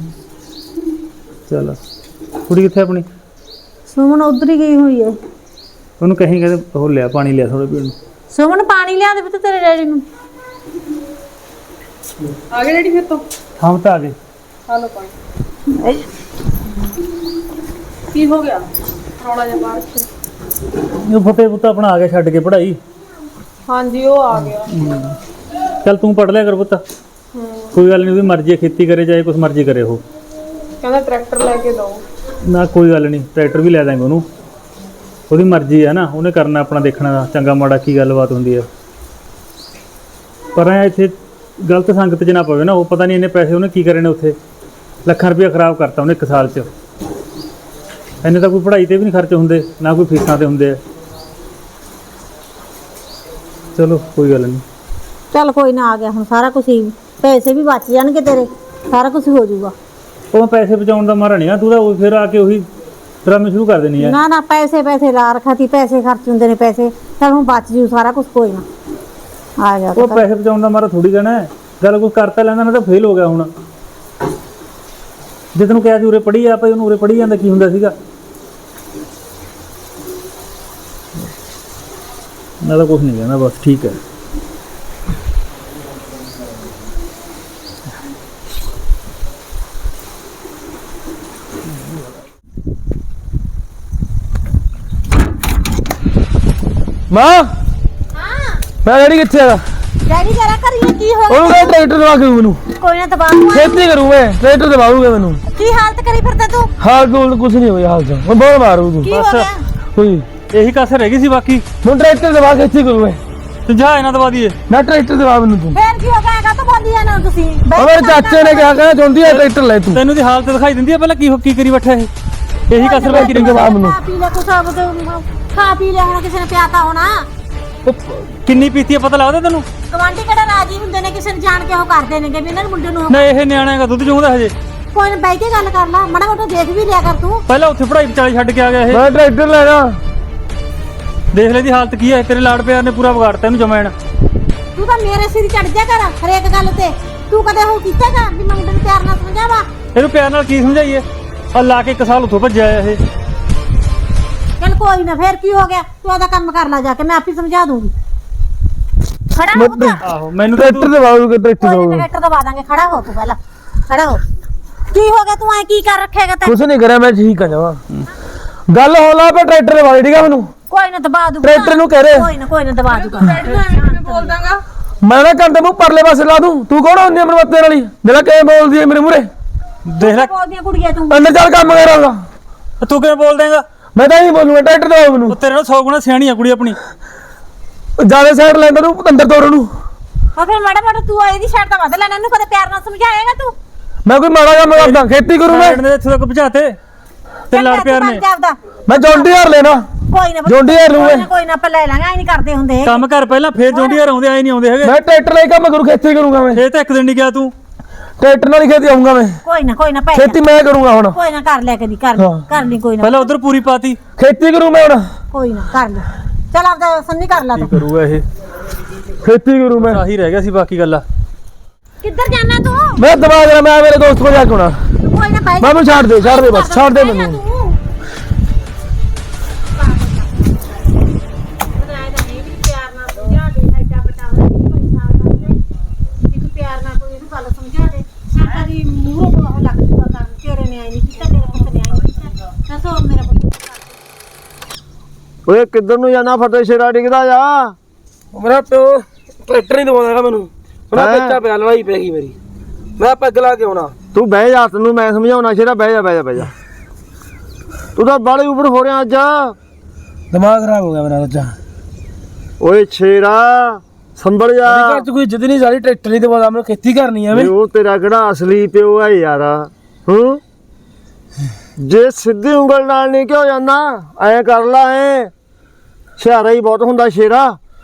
[SPEAKER 4] ਚਲ ਕੁੜੀ ਕਿੱਥੇ ਆਪਣੀ?
[SPEAKER 3] ਸੁਮਨ ਉਧਰ ਹੀ ਗਈ ਹੋਈ ਹੈ।
[SPEAKER 4] ਉਹਨੂੰ ਕਹੀਂ ਕਹਿੰਦੇ ਉਹ ਲਿਆ ਪਾਣੀ ਲਿਆ ਥੋੜਾ ਪੀਣ ਨੂੰ।
[SPEAKER 3] ਸੁਮਨ ਪਾਣੀ ਲਿਆ ਦੇ ਪੁੱਤ ਤੇਰੇ ਡੈਡੀ ਨੂੰ।
[SPEAKER 2] ਆ ਗਏ ਡੈਡੀ ਫਿਰ ਤੋਂ?
[SPEAKER 4] ਹਾਂ ਤਾਂ ਆ ਗਏ।
[SPEAKER 2] ਹਾਲੋ ਪਾਣੀ ਕੀ ਹੋ ਗਿਆ ਰੌਲਾ ਜਿਹਾ ਬਾਹਰ ਚ?
[SPEAKER 4] ਉਹ ਫਤਿਹ ਪੁੱਤ ਆਪਣਾ ਆ ਗਿਆ ਛੱਡ ਕੇ ਪੜ੍ਹਾਈ।
[SPEAKER 2] ਹਾਂਜੀ ਉਹ ਆ ਗਿਆ।
[SPEAKER 4] ਚੱਲ ਤੂੰ ਪੜ ਲਿਆ ਕਰ ਪੁੱਤ, ਕੋਈ ਗੱਲ ਨਹੀਂ, ਉਹਦੀ ਮਰਜ਼ੀ ਹੈ, ਖੇਤੀ ਕਰੇ ਚਾਹੇ ਕੁਛ ਮਰਜ਼ੀ ਕਰੇ ਉਹ।
[SPEAKER 2] ਕਹਿੰਦਾ ਟਰੈਕਟਰ ਲੈ ਕੇ ਦੋ।
[SPEAKER 4] ਨਾ ਕੋਈ ਗੱਲ ਨਹੀਂ, ਟਰੈਕਟਰ ਵੀ ਲੈ ਦਾਂਗੇ ਉਹਨੂੰ, ਉਹਦੀ ਮਰਜ਼ੀ ਹੈ ਨਾ, ਉਹਨੇ ਕਰਨਾ ਆਪਣਾ, ਦੇਖਣਾ ਚੰਗਾ ਮਾੜਾ ਕੀ ਗੱਲਬਾਤ ਹੁੰਦੀ ਹੈ। ਪਰ ਐ ਇੱਥੇ ਗਲਤ ਸੰਗਤ 'ਚ ਨਾ ਪਵੇ ਨਾ, ਉਹ ਪਤਾ ਨਹੀਂ ਇੰਨੇ ਪੈਸੇ ਉਹਨੇ ਕੀ ਕਰੇ ਨੇ ਉੱਥੇ, ਲੱਖਾਂ ਰੁਪਇਆ ਖਰਾਬ ਕਰਤਾ ਉਹਨੇ ਇੱਕ ਸਾਲ 'ਚ। ਇੰਨੇ ਤਾਂ ਕੋਈ ਪੜ੍ਹਾਈ ਤੇ ਵੀ ਨਹੀਂ ਖਰਚ ਹੁੰਦੇ, ਨਾ ਕੋਈ ਫੀਸਾਂ ਤੇ ਹੁੰਦੇ ਆ। ਚਲੋ ਕੋਈ ਗੱਲ ਨਹੀਂ।
[SPEAKER 3] ਚੱਲ ਕੋਈ ਨਾ, ਆ ਗਿਆ ਹੁਣ ਸਾਰਾ ਕੁਝ ਹੀ, ਪੈਸੇ ਵੀ ਬਚ ਜਾਣਗੇ ਤੇਰੇ, ਸਾਰਾ ਕੁਝ ਹੋ ਜਾਊਗਾ।
[SPEAKER 4] ਉਹ ਪੈਸੇ ਬਚਾਉਣ ਦਾ ਮਾਰਾ ਨਹੀਂ ਆ, ਤੂੰ ਤਾਂ ਉਹ ਫਿਰ ਆ ਕੇ ਉਹੀ ਡਰਾਮੇ ਸ਼ੁਰੂ ਕਰ ਦੇਣੀ ਆ।
[SPEAKER 3] ਨਾ ਨਾ, ਪੈਸੇ ਪੈਸੇ ਲਾ ਰੱਖਾ ਤੀ, ਪੈਸੇ ਖਰਚ ਹੁੰਦੇ ਨੇ ਪੈਸੇ, ਚੱਲ ਹੁਣ ਬਚ ਜੂ ਸਾਰਾ ਕੁਝ, ਕੋਈ ਨਾ ਆ ਜਾ।
[SPEAKER 4] ਉਹ ਪੈਸੇ ਬਚਾਉਣ ਦਾ ਮਾਰਾ ਥੋੜੀ ਕਹਿਣਾ ਹੈ, ਗੱਲ ਕੋਈ ਕਰਤਾ ਲੈਂਦਾ ਨਾ ਤਾਂ ਫੇਲ ਹੋ ਗਿਆ ਹੁਣ। ਜੇ ਤੈਨੂੰ ਕਿਹਾ ਸੀ ਉਰੇ ਪੜ੍ਹੀ ਆ ਭਾਈ, ਉਹਨੂੰ ਉਰੇ ਪੜ੍ਹੀ ਜਾਂਦਾ ਕੀ ਹੁੰਦਾ ਸੀਗਾ। ਮੈਂ ਤਾਂ ਕੁਛ ਨਹੀਂ ਕਹਿੰਦਾ, ਬਸ ਠੀਕ ਹੈ।
[SPEAKER 1] ਮਾਂ ਹਾਂ ਮੈਂ ਡੈਡੀ ਕਿੱਥੇ ਆ?
[SPEAKER 3] ਡੈਡੀ ਜਰਾ ਕਰੀਏ ਕੀ ਹੋ
[SPEAKER 1] ਉਹਨੂੰ ਕਹਿੰਦਾ ਟਰੈਕਟਰ ਦਵਾ ਕੇ ਮੈਨੂੰ,
[SPEAKER 3] ਕੋਈ ਨਾ ਦਬਾਉ,
[SPEAKER 1] ਖੇਤੀ ਕਰੂੰ ਮੈਂ, ਟਰੈਕਟਰ ਦਵਾਊਗਾ ਮੈਨੂੰ।
[SPEAKER 3] ਕੀ ਹਾਲਤ ਕਰੀ ਫਿਰਦਾ ਤੂੰ?
[SPEAKER 1] ਹਾਲ ਕੋਲ ਕੁਝ ਨਹੀਂ ਹੋਇਆ, ਹਾਲ ਚ ਮੈਂ ਬਹੁਤ ਮਾਰੂ ਤੂੰ
[SPEAKER 3] ਕੀ ਹੋ ਗਿਆ?
[SPEAKER 1] ਕੋਈ
[SPEAKER 4] ਇਹੀ ਕਸਰ ਰਹਿ ਗਈ ਸੀ, ਬਾਕੀ
[SPEAKER 1] ਹੁਣ ਟਰੈਕਟਰ ਦਵਾ ਕੇ ਖੇਤੀ ਕਰੂੰ ਮੈਂ।
[SPEAKER 4] ਤੇ ਜਾ ਇਹਨਾਂ ਦਵਾ ਦਈਏ।
[SPEAKER 1] ਨਾ ਟਰੈਕਟਰ ਦਵਾ ਮੈਨੂੰ ਤੂੰ।
[SPEAKER 3] ਫੇਰ ਕੀ ਹੋ ਗਿਆ? ਤਾਂ ਬੋਲੀ ਆ ਨਾ ਤੁਸੀਂ।
[SPEAKER 1] ਉਹ ਮੇਰੇ ਚਾਚੇ ਨੇ ਕਿਹਾ ਕਹਿੰਦਾ ਚਾਹੁੰਦੀ ਆ ਟਰੈਕਟਰ ਲੈ ਤੂੰ।
[SPEAKER 4] ਤੈਨੂੰ ਦੀ ਹਾਲਤ ਦਿਖਾਈ ਦਿੰਦੀ ਆ ਪਹਿਲਾਂ ਕੀ ਕੀ ਕਰੀ ਬੈਠਾ ਇਹ, ਇਹੀ ਕਸਰ ਬਾਕੀ ਰਹਿ ਗਈ।
[SPEAKER 1] ਦਵਾ ਮੈਨੂੰ।
[SPEAKER 3] ਖਾ ਪੀ ਲੈ ਕੁਛ, ਆਪ ਖਾ ਪੀ ਲਿਆ ਹੋਣਾ, ਕਿਸੇ ਨੇ ਪਿਆਤਾ ਹੋਣਾ।
[SPEAKER 4] ਉਹ ਕਿੰਨੀ ਪੀਤੀ ਆ ਪਤਾ ਲੱਗਦਾ ਤੈਨੂੰ?
[SPEAKER 3] ਗਵਾਂਢੀ ਕਿਹੜਾ ਰਾਜੀ ਹੁੰਦੇ ਨੇ, ਕਿਸੇ ਨੂੰ ਜਾਣ ਕੇ ਉਹ ਕਰਦੇ ਨੇਗੇ ਵੀ ਇਹਨਾਂ ਨੂੰ ਮੁੰਡੇ ਨੂੰ।
[SPEAKER 4] ਨਾ ਇਹ ਨਿਆਣਾ ਹੈਗਾ, ਦੁੱਧ ਚੋਂਦਾ ਹਜੇ।
[SPEAKER 3] ਕੋਈ ਨਾ ਬਹਿ ਕੇ ਗੱਲ ਕਰ ਲਾ, ਮਾੜਾ ਮੋਟਾ ਦੇਖ ਵੀ ਲਿਆ ਕਰ ਤੂੰ।
[SPEAKER 4] ਪਹਿਲਾਂ ਉੱਥੇ ਪੜ੍ਹਾਈ ਵਿਚਾਲੇ ਛੱਡ ਕੇ ਆ ਗਿਆ ਇਹ।
[SPEAKER 1] ਮੈਂ ਟਰੈਕਟਰ ਲੈਣਾ।
[SPEAKER 4] ਦੇਖ ਲੈ ਦੀ ਹਾਲਤ ਕੀ ਹੈ, ਤੇਰੇ ਲਾੜ ਪਿਆਰ ਨੇ ਪੂਰਾ ਵਿਗਾੜਤਾ ਇਹਨੂੰ ਜਮੈਣ।
[SPEAKER 3] ਤੂੰ ਤਾਂ ਮੇਰੇ ਸਿਰ ਚੜ ਜਾ ਕਰ ਹਰੇਕ ਗੱਲ ਤੇ। ਤੂੰ ਕਦੇ ਉਹ ਕੀਤਾਗਾ ਵੀ ਮੈਂ ਮੁੰਡੇ ਨੂੰ ਪਿਆਰ ਨਾਲ ਸਮਝਾਵਾ?
[SPEAKER 4] ਇਹਨੂੰ ਪਿਆਰ ਨਾਲ ਕੀ ਸਮਝਾਈਏ, ਆ ਲਾ ਕੇ ਇੱਕ ਸਾਲ ਉੱਥੋਂ ਭੱਜਿਆ ਇਹ।
[SPEAKER 3] ਚੱਲ ਕੋਈ ਨਾ, ਫੇਰ ਕੀ ਹੋ ਗਿਆ, ਤੂੰ ਆਦਾ ਕੰਮ ਕਰ ਲੈ ਜਾ ਕੇ, ਮੈਂ ਆਪੇ ਸਮਝਾ ਦੂੰਗੀ। ਖੜਾ ਹੋ ਪੁੱਤ,
[SPEAKER 4] ਆਹੋ ਮੈਨੂੰ ਤਾਂ
[SPEAKER 1] ਟਰੈਕਟਰ ਦਵਾਊਗਾ, ਟਰੈਕਟਰ
[SPEAKER 3] ਕੋਈ
[SPEAKER 1] ਦਵਾਊਗਾ।
[SPEAKER 3] ਨਾ ਟਰੈਕਟਰ ਦਵਾ ਦਾਂਗੇ। ਖੜਾ ਹੋ ਤੂੰ ਪਹਿਲਾਂ, ਖੜਾ ਹੋ। ਕੀ ਹੋ ਗਿਆ, ਤੂੰ ਐ ਕੀ ਕਰ ਰੱਖੇਗਾ ਤੈਂ?
[SPEAKER 1] ਕੁਛ ਨਹੀਂ ਕਰਿਆ ਮੈਂ, ਠੀਕ ਆ ਜਾਵਾ। ਗੱਲ ਹੋ ਲਾ ਪਾ ਟਰੈਕਟਰ ਦਵਾ ਦੇ, ਠੀਕ ਆ ਮੈਨੂੰ।
[SPEAKER 3] ਕੋਈ ਨਾ ਦਬਾ ਦੂੰਗਾ,
[SPEAKER 1] ਟਰੈਕਟਰ ਨੂੰ ਕਹਿ ਰਹੇ
[SPEAKER 3] ਕੋਈ ਨਾ ਕੋਈ ਨਾ ਦਬਾ ਦੂੰਗਾ।
[SPEAKER 2] ਬੋਲ ਦਾਂਗਾ
[SPEAKER 1] ਮੈਂ ਨਾ ਕੰਦੇ ਮੂੰਹ ਪਰਲੇ ਪਾਸੇ ਲਾ ਦੂੰ। ਤੂੰ ਕੌਣ ਹੁੰਦੀ ਆ ਮੇਰੇ ਮੱਤੇ ਵਾਲੀ, ਜਿਹੜਾ ਕਿਵੇਂ ਬੋਲਦੀ ਹੈ ਮੇਰੇ ਮੂਹਰੇ?
[SPEAKER 4] ਦੇਖ ਲੈ
[SPEAKER 3] ਬੋਲਦੀਆਂ ਕੁੜੀਆਂ ਤੂੰ।
[SPEAKER 1] ਅੰਦਰ ਚੱਲ ਕੰਮ ਕਰਾਂਗਾ।
[SPEAKER 4] ਤੂੰ ਕਿਵੇਂ ਬੋਲ ਦੇਂਗਾ?
[SPEAKER 1] ਮੈਂ ਤਾਂ ਹੀ ਬੋਲੂਗਾ, ਟਰੈਕਟਰ ਦਵਾ ਮੈਨੂੰ।
[SPEAKER 4] ਉਹ ਤੇਰੇ ਨਾਲ ਸੌ ਗੁਣਾ ਸਿਆਣੀ ਆ ਕੁੜੀ ਆਪਣੀ।
[SPEAKER 1] ਜਿਆਦਾ ਸਾਈਡ ਲੈਂਦਾ ਤੂੰ ਅੰਦਰ ਤੋੜ ਨੂੰ।
[SPEAKER 3] ਉਹ ਫਿਰ ਮਾੜਾ ਮਾੜਾ ਤੂੰ ਇਹਦੀ ਸ਼ਰਟ ਤਾਂ ਵੱਧ ਲੈਣਾ, ਇਹਨੂੰ ਕਦੇ ਪਿਆਰ ਨਾਲ ਸਮਝਾਏਗਾ ਤੂੰ?
[SPEAKER 1] ਮੈਂ ਕੋਈ ਮਾੜਾ ਕੰਮ ਕਰਦਾ, ਖੇਤੀ ਕਰੂੰ ਮੈਂ।
[SPEAKER 4] ਨੇ ਇੱਥੇ ਤੱਕ ਪਹੁੰਚਾਤੇ ਤੇ ਲਾੜ ਪਿਆਰ ਨੇ।
[SPEAKER 1] ਮੈਂ ਜੌਂਡੀ ਹਾਰ ਲੈਣਾ,
[SPEAKER 3] ਕੋਈ ਨਾ
[SPEAKER 1] ਜੌਂਡੀ ਹਾਰ ਲੂੰ
[SPEAKER 3] ਕੋਈ
[SPEAKER 1] ਮੈਂ।
[SPEAKER 3] ਨਾ ਕੋਈ ਨਾ ਆਪਾਂ ਲੈ ਲਾਂਗੇ, ਐ ਨਹੀਂ ਕਰਦੇ ਹੁੰਦੇ।
[SPEAKER 4] ਕੰਮ ਕਰ ਪਹਿਲਾਂ, ਫੇਰ ਜੌਂਡੀਆਂ ਆਉਂਦੇ ਆਏ ਨਹੀਂ ਆਉਂਦੇ ਹੈਗੇ।
[SPEAKER 1] ਮੈਂ ਟਰੈਕਟਰ ਲੈ ਕੇ ਕੰਮ ਕਰੂ, ਖੇਤੀ ਕਰੂੰਗਾ ਮੈਂ।
[SPEAKER 4] ਇਹ ਤਾਂ ਇੱਕ ਦਿਨ ਨਹੀਂ ਗਿਆ ਤੂੰ।
[SPEAKER 1] ਟਰੈਕਟਰ ਨਾਲ ਹੀ ਖੇਤੀ ਆਉਂਗਾ ਮੈਂ,
[SPEAKER 3] ਕੋਈ ਨਾ ਕੋਈ ਨਾ ਪੈ
[SPEAKER 1] ਖੇਤੀ ਮੈਂ ਕਰੂੰਗਾ ਹੁਣ।
[SPEAKER 3] ਕੋਈ ਨਾ ਕਰ ਲੈ ਕਦੀ, ਕਰ ਲਈ,
[SPEAKER 1] ਹਾਂ।
[SPEAKER 3] ਕਰ ਲਈ ਕੋਈ ਨਾ,
[SPEAKER 4] ਪਹਿਲਾਂ ਉਧਰ ਪੂਰੀ ਪਾਤੀ,
[SPEAKER 1] ਖੇਤੀ ਕਰੂੰ ਮੈਂ ਹੁਣ,
[SPEAKER 3] ਕੋਈ ਨਾ ਕਰ ਲੈ। ਚੱਲ ਆਪਦਾ ਸੰਨੀ ਕਰ ਲਾ
[SPEAKER 4] ਕੀ
[SPEAKER 3] ਤੂੰ।
[SPEAKER 4] ਕਰੂਗਾ ਇਹ?
[SPEAKER 1] ਖੇਤੀ ਕਰੂੰ ਮੈਂ।
[SPEAKER 4] ਆਹੀ ਰਹਿ ਗਿਆ ਸੀ, ਬਾਕੀ ਗੱਲਾਂ।
[SPEAKER 3] ਕਿੱਧਰ ਜਾਣਾ ਤੂੰ?
[SPEAKER 1] ਮੈਂ ਦਵਾ ਦੇਣਾ, ਮੈਂ ਮੇਰੇ ਦੋਸਤ ਕੋਲ ਜਾ ਕੇ ਆਉਣਾ।
[SPEAKER 3] ਕੋਈ ਨਾ ਬਾਈ,
[SPEAKER 1] ਮੈਨੂੰ ਛੱਡ ਦੇ, ਛੱਡ ਦੇ ਬਸ, ਛੱਡ ਦੇ ਮੈਨੂੰ।
[SPEAKER 5] ਓਏ ਕਿੱਧਰ ਨੂੰ ਜਾਣਾ, ਫਤਿਹ ਸ਼ੇਰਾ ਡਿੱਗਦਾ ਜਾ।
[SPEAKER 1] ਮੇਰਾ ਪਿਓ ਟਰੈਕਟਰ ਨਹੀਂ ਦਵਾਉਂਦਾ ਮੈਨੂੰ, ਉਹਨਾਂ
[SPEAKER 5] ਹੈਂ?
[SPEAKER 1] ਬੱਚਾ ਪਿਆ, ਲੜਾਈ ਪੈ ਗਈ ਮੇਰੀ। ਮੈਂ ਪੈਗ ਲਾ ਕੇ ਆਉਣਾ।
[SPEAKER 5] ਤੂੰ ਬਹਿ ਜਾ, ਤੈਨੂੰ ਮੈਂ ਸਮਝਾਉਣਾ। ਸ਼ੇਰਾ ਬਹਿ ਜਾ, ਬਹਿ ਜਾ, ਬਹਿ ਜਾ। ਤੂੰ ਤਾਂ ਬਾਲੇ ਉੱਪਰ ਹੋ ਰਿਹਾ ਅੱਜ।
[SPEAKER 1] ਦਿਮਾਗ ਖਰਾਬ ਹੋ ਗਿਆ ਮੇਰਾ ਬੱਚਾ।
[SPEAKER 5] ਓਏ ਸ਼ੇਰਾ ਸੰਭਲ ਜਾ।
[SPEAKER 1] ਮੇਰੇ ਘਰ ਚ ਕੋਈ ਇੱਜ਼ਤ ਨਹੀਂ, ਸਾਰੀ ਟਰੈਕਟਰ ਨਹੀਂ ਦਵਾਉਂਦਾ, ਮੈਨੂੰ ਖੇਤੀ ਕਰਨੀ ਆ।
[SPEAKER 5] ਵੀ ਉਹ ਤੇਰਾ ਕਿਹੜਾ ਅਸਲੀ ਪਿਓ ਹੈ ਯਾਰ? ਹੂੰ, ਜੇ ਸਿੱਧੀ ਉਂਗਲ ਨਾਲ ਨਹੀਂ ਕਿਉਂ ਜਾਂਦਾ, ਐ ਕਰ ਲਾ, ਐ ਸ਼ਿਆਰਾ ਹੀ ਬਹੁਤ ਹੁੰਦਾ ਸ਼ੇਰਾ।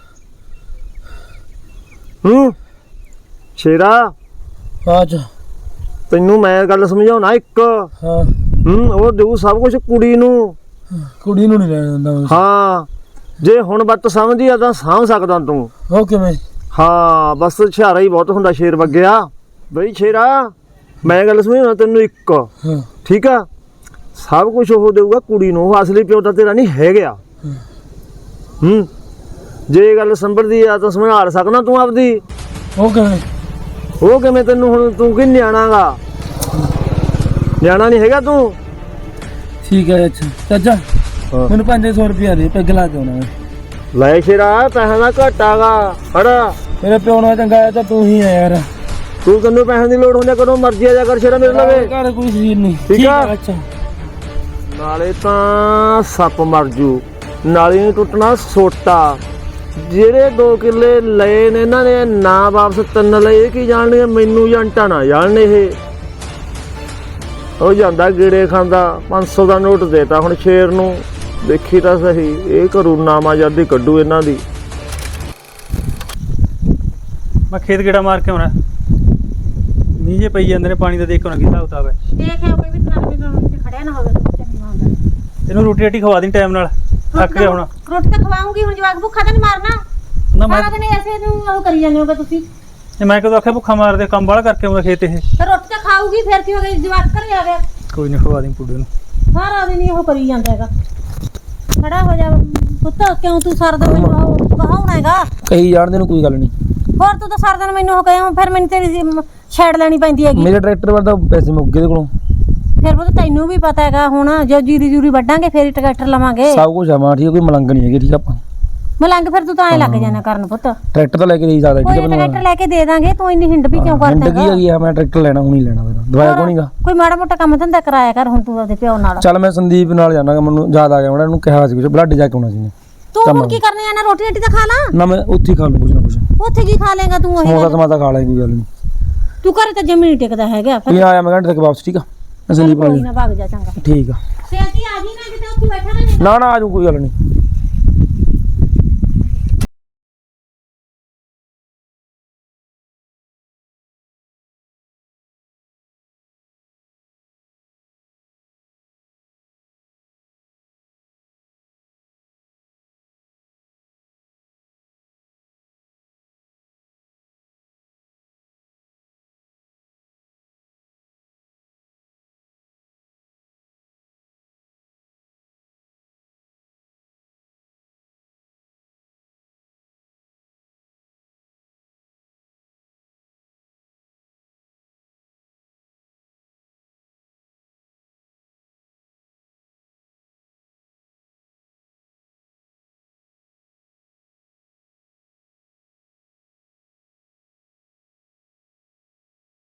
[SPEAKER 5] ਹੂੰ ਸ਼ੇਰਾ,
[SPEAKER 1] ਅੱਛਾ
[SPEAKER 5] ਤੈਨੂੰ ਮੈਂ ਗੱਲ ਸਮਝਾਉਣਾ ਇੱਕ।
[SPEAKER 1] ਹਾਂ,
[SPEAKER 5] ਹੂੰ, ਉਹ ਦੇਊ ਸਭ ਕੁਝ ਕੁੜੀ ਨੂੰ।
[SPEAKER 1] ਕੁੜੀ ਨੂੰ ਨਹੀਂ ਲੈਣ ਦਿੰਦਾ ਮੈਂ।
[SPEAKER 5] ਹਾਂ, ਜੇ ਹੁਣ ਬੱਤ ਸਮਝੀ ਆ ਤਾਂ ਸਾਂਭ ਸਕਦਾ ਤੂੰ।
[SPEAKER 1] ਉਹ ਕਿਵੇਂ?
[SPEAKER 5] ਹਾਂ, ਬਸ ਸ਼ਿਆਰਾ ਹੀ ਬਹੁਤ ਹੁੰਦਾ ਸ਼ੇਰ ਵਗਿਆ। ਬਈ ਸ਼ੇਰਾ, ਮੈਂ ਗੱਲ ਸਮਝਾਉਣਾ ਤੈਨੂੰ ਇੱਕ,
[SPEAKER 1] ਹਾਂ
[SPEAKER 5] ਠੀਕ ਆ? ਸਭ ਕੁਝ ਉਹ ਦੇਊਗਾ ਕੁੜੀ ਨੂੰ, ਉਹ ਅਸਲੀ ਪਿਓ ਤਾਂ ਤੇਰਾ ਨਹੀਂ ਹੈਗਾ। ਹੂੰ, ਜੇ ਗੱਲ ਸੰਭਲਦੀ ਆ ਤਾਂ ਸੰਭਾਲ ਸਕਣਾ ਤੂੰ ਆਪਦੀ।
[SPEAKER 1] ਉਹ ਕਿਵੇਂ?
[SPEAKER 5] ਉਹ ਕਿਵੇਂ? ਤੈਨੂੰ ਹੁਣ ਤੂੰ ਕੀ ਨਿਆਣਾਗਾ? ਨਿਆਣਾ ਨਹੀਂ ਹੈਗਾ ਤੂੰ।
[SPEAKER 1] ਠੀਕ ਹੈ। ਅੱਛਾ ਚਾਚਾ, ਮੈਨੂੰ ਪੰਜ ਸੌ ਰੁਪਇਆ ਦੇ, ਪੈਗ ਲਾ ਕੇ ਆਉਣਾ ਮੈਂ।
[SPEAKER 5] ਲੈ ਸ਼ੇਰਾ ਪੈਸਾ ਦਾ ਘਾਟਾਗਾ ਹੜਾ
[SPEAKER 1] ਮੇਰੇ ਪਿਓ ਨਾਲ ਚੰਗਾ ਆ ਤਾਂ ਤੂੰ ਹੀ ਆ ਯਾਰ।
[SPEAKER 5] ਤੂੰ ਤੈਨੂੰ ਪੈਸੇ ਦੀ ਲੋੜ ਹੁੰਦੀ ਆ, ਕਦੋਂ ਮਰਜ਼ੀ ਆ ਜਾ ਕਰ ਸ਼ੇਰਾ ਮੇਰੇ ਲਵੇ।
[SPEAKER 1] ਘਰ ਕੋਈ ਸਰੀਰ ਨਹੀਂ।
[SPEAKER 5] ਠੀਕ ਆ।
[SPEAKER 1] ਅੱਛਾ
[SPEAKER 5] ਨਾਲੇ ਤਾਂ ਸੱਪ ਮਰ ਜੂ, ਨਾਲੇ ਨਹੀਂ ਟੁੱਟਣਾ ਸੋਟਾ। ਜਿਹੜੇ ਦੋ ਕਿੱਲੇ ਲਏ ਨੇ ਇਹਨਾਂ ਨੇ ਨਾ ਵਾਪਸ ਤਿੰਨ ਲਏ, ਇਹ ਕੀ ਜਾਣਗੇ, ਮੈਨੂੰ ਜੰਟਾ ਨਾ ਜਾਣਨ ਇਹ। ਉਹ ਜਾਂਦਾ ਗੇੜੇ ਖਾਂਦਾ, ਪੰਜ ਸੌ ਦਾ ਨੋਟ ਦੇਤਾ ਹੁਣ ਸ਼ੇਰ ਨੂੰ, ਦੇਖੀ ਤਾਂ ਸਹੀ ਇਹ ਕਰੂ ਨਾਮਾਜ਼ਰਦੀ ਕੱਢੂ ਇਹਨਾਂ ਦੀ।
[SPEAKER 4] ਮੈਂ ਖੇਤ ਗੇੜਾ ਮਾਰ ਕੇ ਆਉਣਾ, ਮੀਂਹ ਜੇ ਪਈ ਜਾਂਦੇ ਨੇ, ਪਾਣੀ ਦਾ ਦੇਖ ਕੇ ਆਉਣਾ ਕੀ ਹਿਸਾਬ ਕਿਤਾਬ ਹੈ।
[SPEAKER 3] ਦੇਖਿਆ ਕੋਈ ਵੀ ਟਰਾਲੀ ਵਿੱਚ ਖੜਿਆ ਨਾ ਹੋਵੇ ਚੰਗਾ ਹੁੰਦਾ।
[SPEAKER 4] ਇਹਨੂੰ ਰੋਟੀ ਰਾਟੀ ਖਵਾ ਦੀ ਟਾਈਮ ਨਾਲ, ਥੱਕ ਗਿਆ ਹੁਣ।
[SPEAKER 3] ਰੋਟੀ ਤਾਂ ਖਵਾਉਂਗੀ ਹੁਣ, ਜਵਾਕ ਭੁੱਖਾ ਤਾਂ ਨਹੀਂ ਮਾਰਨਾ।
[SPEAKER 4] ਨਾ ਮੈਂ
[SPEAKER 3] ਸਾਰਾ ਦਿਨ ਐਸੇ ਨੂੰ ਉਹ ਕਰੀ ਜਾਂਦੇ ਹੋਗੇ ਤੁਸੀਂ।
[SPEAKER 4] ਇਹ ਮੈਂ ਕਦੋਂ ਆਖਿਆ ਭੁੱਖਾ ਮਾਰਦੇ, ਕੰਮ ਬਾਹਲਾ ਕਰਕੇ ਆਉਂਦਾ ਖੇਤ ਇਹ।
[SPEAKER 3] ਫਿਰ ਰੋਟੀ ਤਾਂ ਖਾਊਗੀ, ਫਿਰ ਕੀ ਹੋ ਗਿਆ, ਜਵਾਕ ਘਰੇ ਆ ਗਿਆ।
[SPEAKER 4] ਕੋਈ ਨਹੀਂ ਖਵਾ ਦੀ ਪੁੱਡੇ ਨੂੰ।
[SPEAKER 3] ਸਾਰਾ ਦਿਨ ਹੀ ਉਹ ਕਰੀ ਜਾਂਦਾ ਹੈਗਾ। ਖੜਾ ਹੋ ਜਾ ਪੁੱਤ, ਕਿਉਂ ਤੂੰ ਸਾਰਾ ਦਿਨ ਮੈਨੂੰ ਉਹ ਕਹਾਉਣਾ ਹੈਗਾ।
[SPEAKER 1] ਕਹੀ ਜਾਣਦੇ ਨੂੰ ਕੋਈ ਗੱਲ ਨਹੀਂ।
[SPEAKER 3] ਹੋਰ ਤੂੰ ਤਾਂ ਸਾਰਾ ਦਿਨ ਮੈਨੂੰ ਉਹ ਕਹਿਆ, ਫਿਰ ਮੈਨੂੰ ਤੇਰੀ ਛੇੜ ਲੈਣੀ ਪੈਂਦੀ ਹੈਗੀ।
[SPEAKER 1] ਮੇਰੇ ਟਰੈਕਟਰ ਵੱਲ ਤਾਂ ਪੈਸੇ ਮੁੱਕ ਗਏ ਇਹਦੇ ਕੋਲੋਂ।
[SPEAKER 3] ਫਿਰ ਪੁੱਤ ਤੈਨੂੰ ਵੀ ਪਤਾ ਹੈਗਾ, ਹੁਣ ਜੋ ਜੀਰੀ ਜੂਰੀ ਵੱਢਾਂਗੇ ਫੇਰ ਹੀ ਟਰੈਕਟਰ ਲਵਾਂਗੇ।
[SPEAKER 1] ਸਭ ਕੁਝ ਆ ਮਾਂ ਠੀਕ ਆ, ਕੋਈ ਮਲੰਗ ਨਹੀਂ ਹੈਗੀ ਠੀਕ ਆ। ਆਪਾਂ
[SPEAKER 3] ਮਲੰਗ ਫਿਰ ਤੂੰ ਤਾਂ ਐ ਲੱਗ ਜਾਣਾ ਕਰਨ ਪੁੱਤ।
[SPEAKER 1] ਟਰੈਕਟਰ ਤਾਂ ਲੈ ਕੇ ਦੇ ਸਕਦਾ ਠੀਕ
[SPEAKER 3] ਕੋਈ
[SPEAKER 1] ਆ।
[SPEAKER 3] ਟਰੈਕਟਰ ਲੈ ਕੇ ਦੇ ਦਾਂਗੇ, ਤੂੰ ਇੰਨੀ ਹਿੰਡ ਵੀ ਕਿਉਂ ਕਰਦਾ
[SPEAKER 1] ਜ਼ਿੰਦਗੀ ਹੈਗੀ ਆ, ਮੈਂ ਟਰੈਕਟਰ ਲੈਣਾ ਹੁਣ ਹੀ ਲੈਣਾ ਮੇਰਾ ਦਵਾਇਆ ਕੋਣੀਗਾ।
[SPEAKER 3] ਕੋਈ ਮਾੜਾ ਮੋਟਾ ਕੰਮ ਧੰਦਾ ਕਰਾਇਆ ਕਰ ਹੁਣ ਤੂੰ ਆਪਦੇ ਪਿਓ ਨਾਲ।
[SPEAKER 1] ਚੱਲ ਮੈਂ ਸੰਦੀਪ ਨਾਲ ਜਾਣਾਗਾ, ਮੈਨੂੰ ਯਾਦ ਆ ਗਿਆ, ਮੈਂ ਉਹਨੂੰ ਕਿਹਾ ਸੀ ਕੁਝ ਬਲੱਡ ਜਾ ਕੇ ਆਉਣਾ ਸੀ।
[SPEAKER 3] ਤੂੰ ਹੁਣ ਕੀ ਕਰਨੇ ਜਾਣਾ, ਰੋਟੀ ਰੋਟੀ ਤਾਂ ਖਾ ਲਾ।
[SPEAKER 1] ਨਾ ਮੈਂ ਉੱਥੇ ਹੀ ਖਾ ਲੂ ਕੁਝ ਨਾ ਕੁਝ।
[SPEAKER 3] ਉੱਥੇ ਕੀ ਖਾ ਲੇਗਾ ਤੂੰ? ਉਹੀ
[SPEAKER 1] ਸਮੋਸਾ ਸਮਾਤਾ ਖਾ ਲਾਂਗੇ, ਕੋਈ ਗੱਲ ਨਹੀਂ।
[SPEAKER 3] ਤੂੰ ਘਰੇ ਤਾਂ ਜਮੀ ਨਹੀਂ ਟਿਕਦਾ ਹੈਗਾ। ਫਿਰ
[SPEAKER 1] ਨਹੀਂ ਆਇਆ ਮੈਂ ਘੰਟੇ ਤੱਕ ਵਾਪਸ ਠੀਕ ਆ। ਮੈਂ ਸੰਦੀਪ
[SPEAKER 3] ਕੋਈ
[SPEAKER 1] ਨਾਲ
[SPEAKER 3] ਨਾ ਭੱਗ ਜਾ ਚੰਗਾ।
[SPEAKER 1] ਠੀਕ ਆ।
[SPEAKER 3] ਸੇਤੀ ਆ ਜੀ ਨਾ, ਕਿਤੇ ਉੱਥੇ ਬੈਠਾ ਰਹੇ।
[SPEAKER 1] ਨਾ ਨਾ ਆਜੂ ਕੋਈ ਗੱਲ ਨਹੀਂ।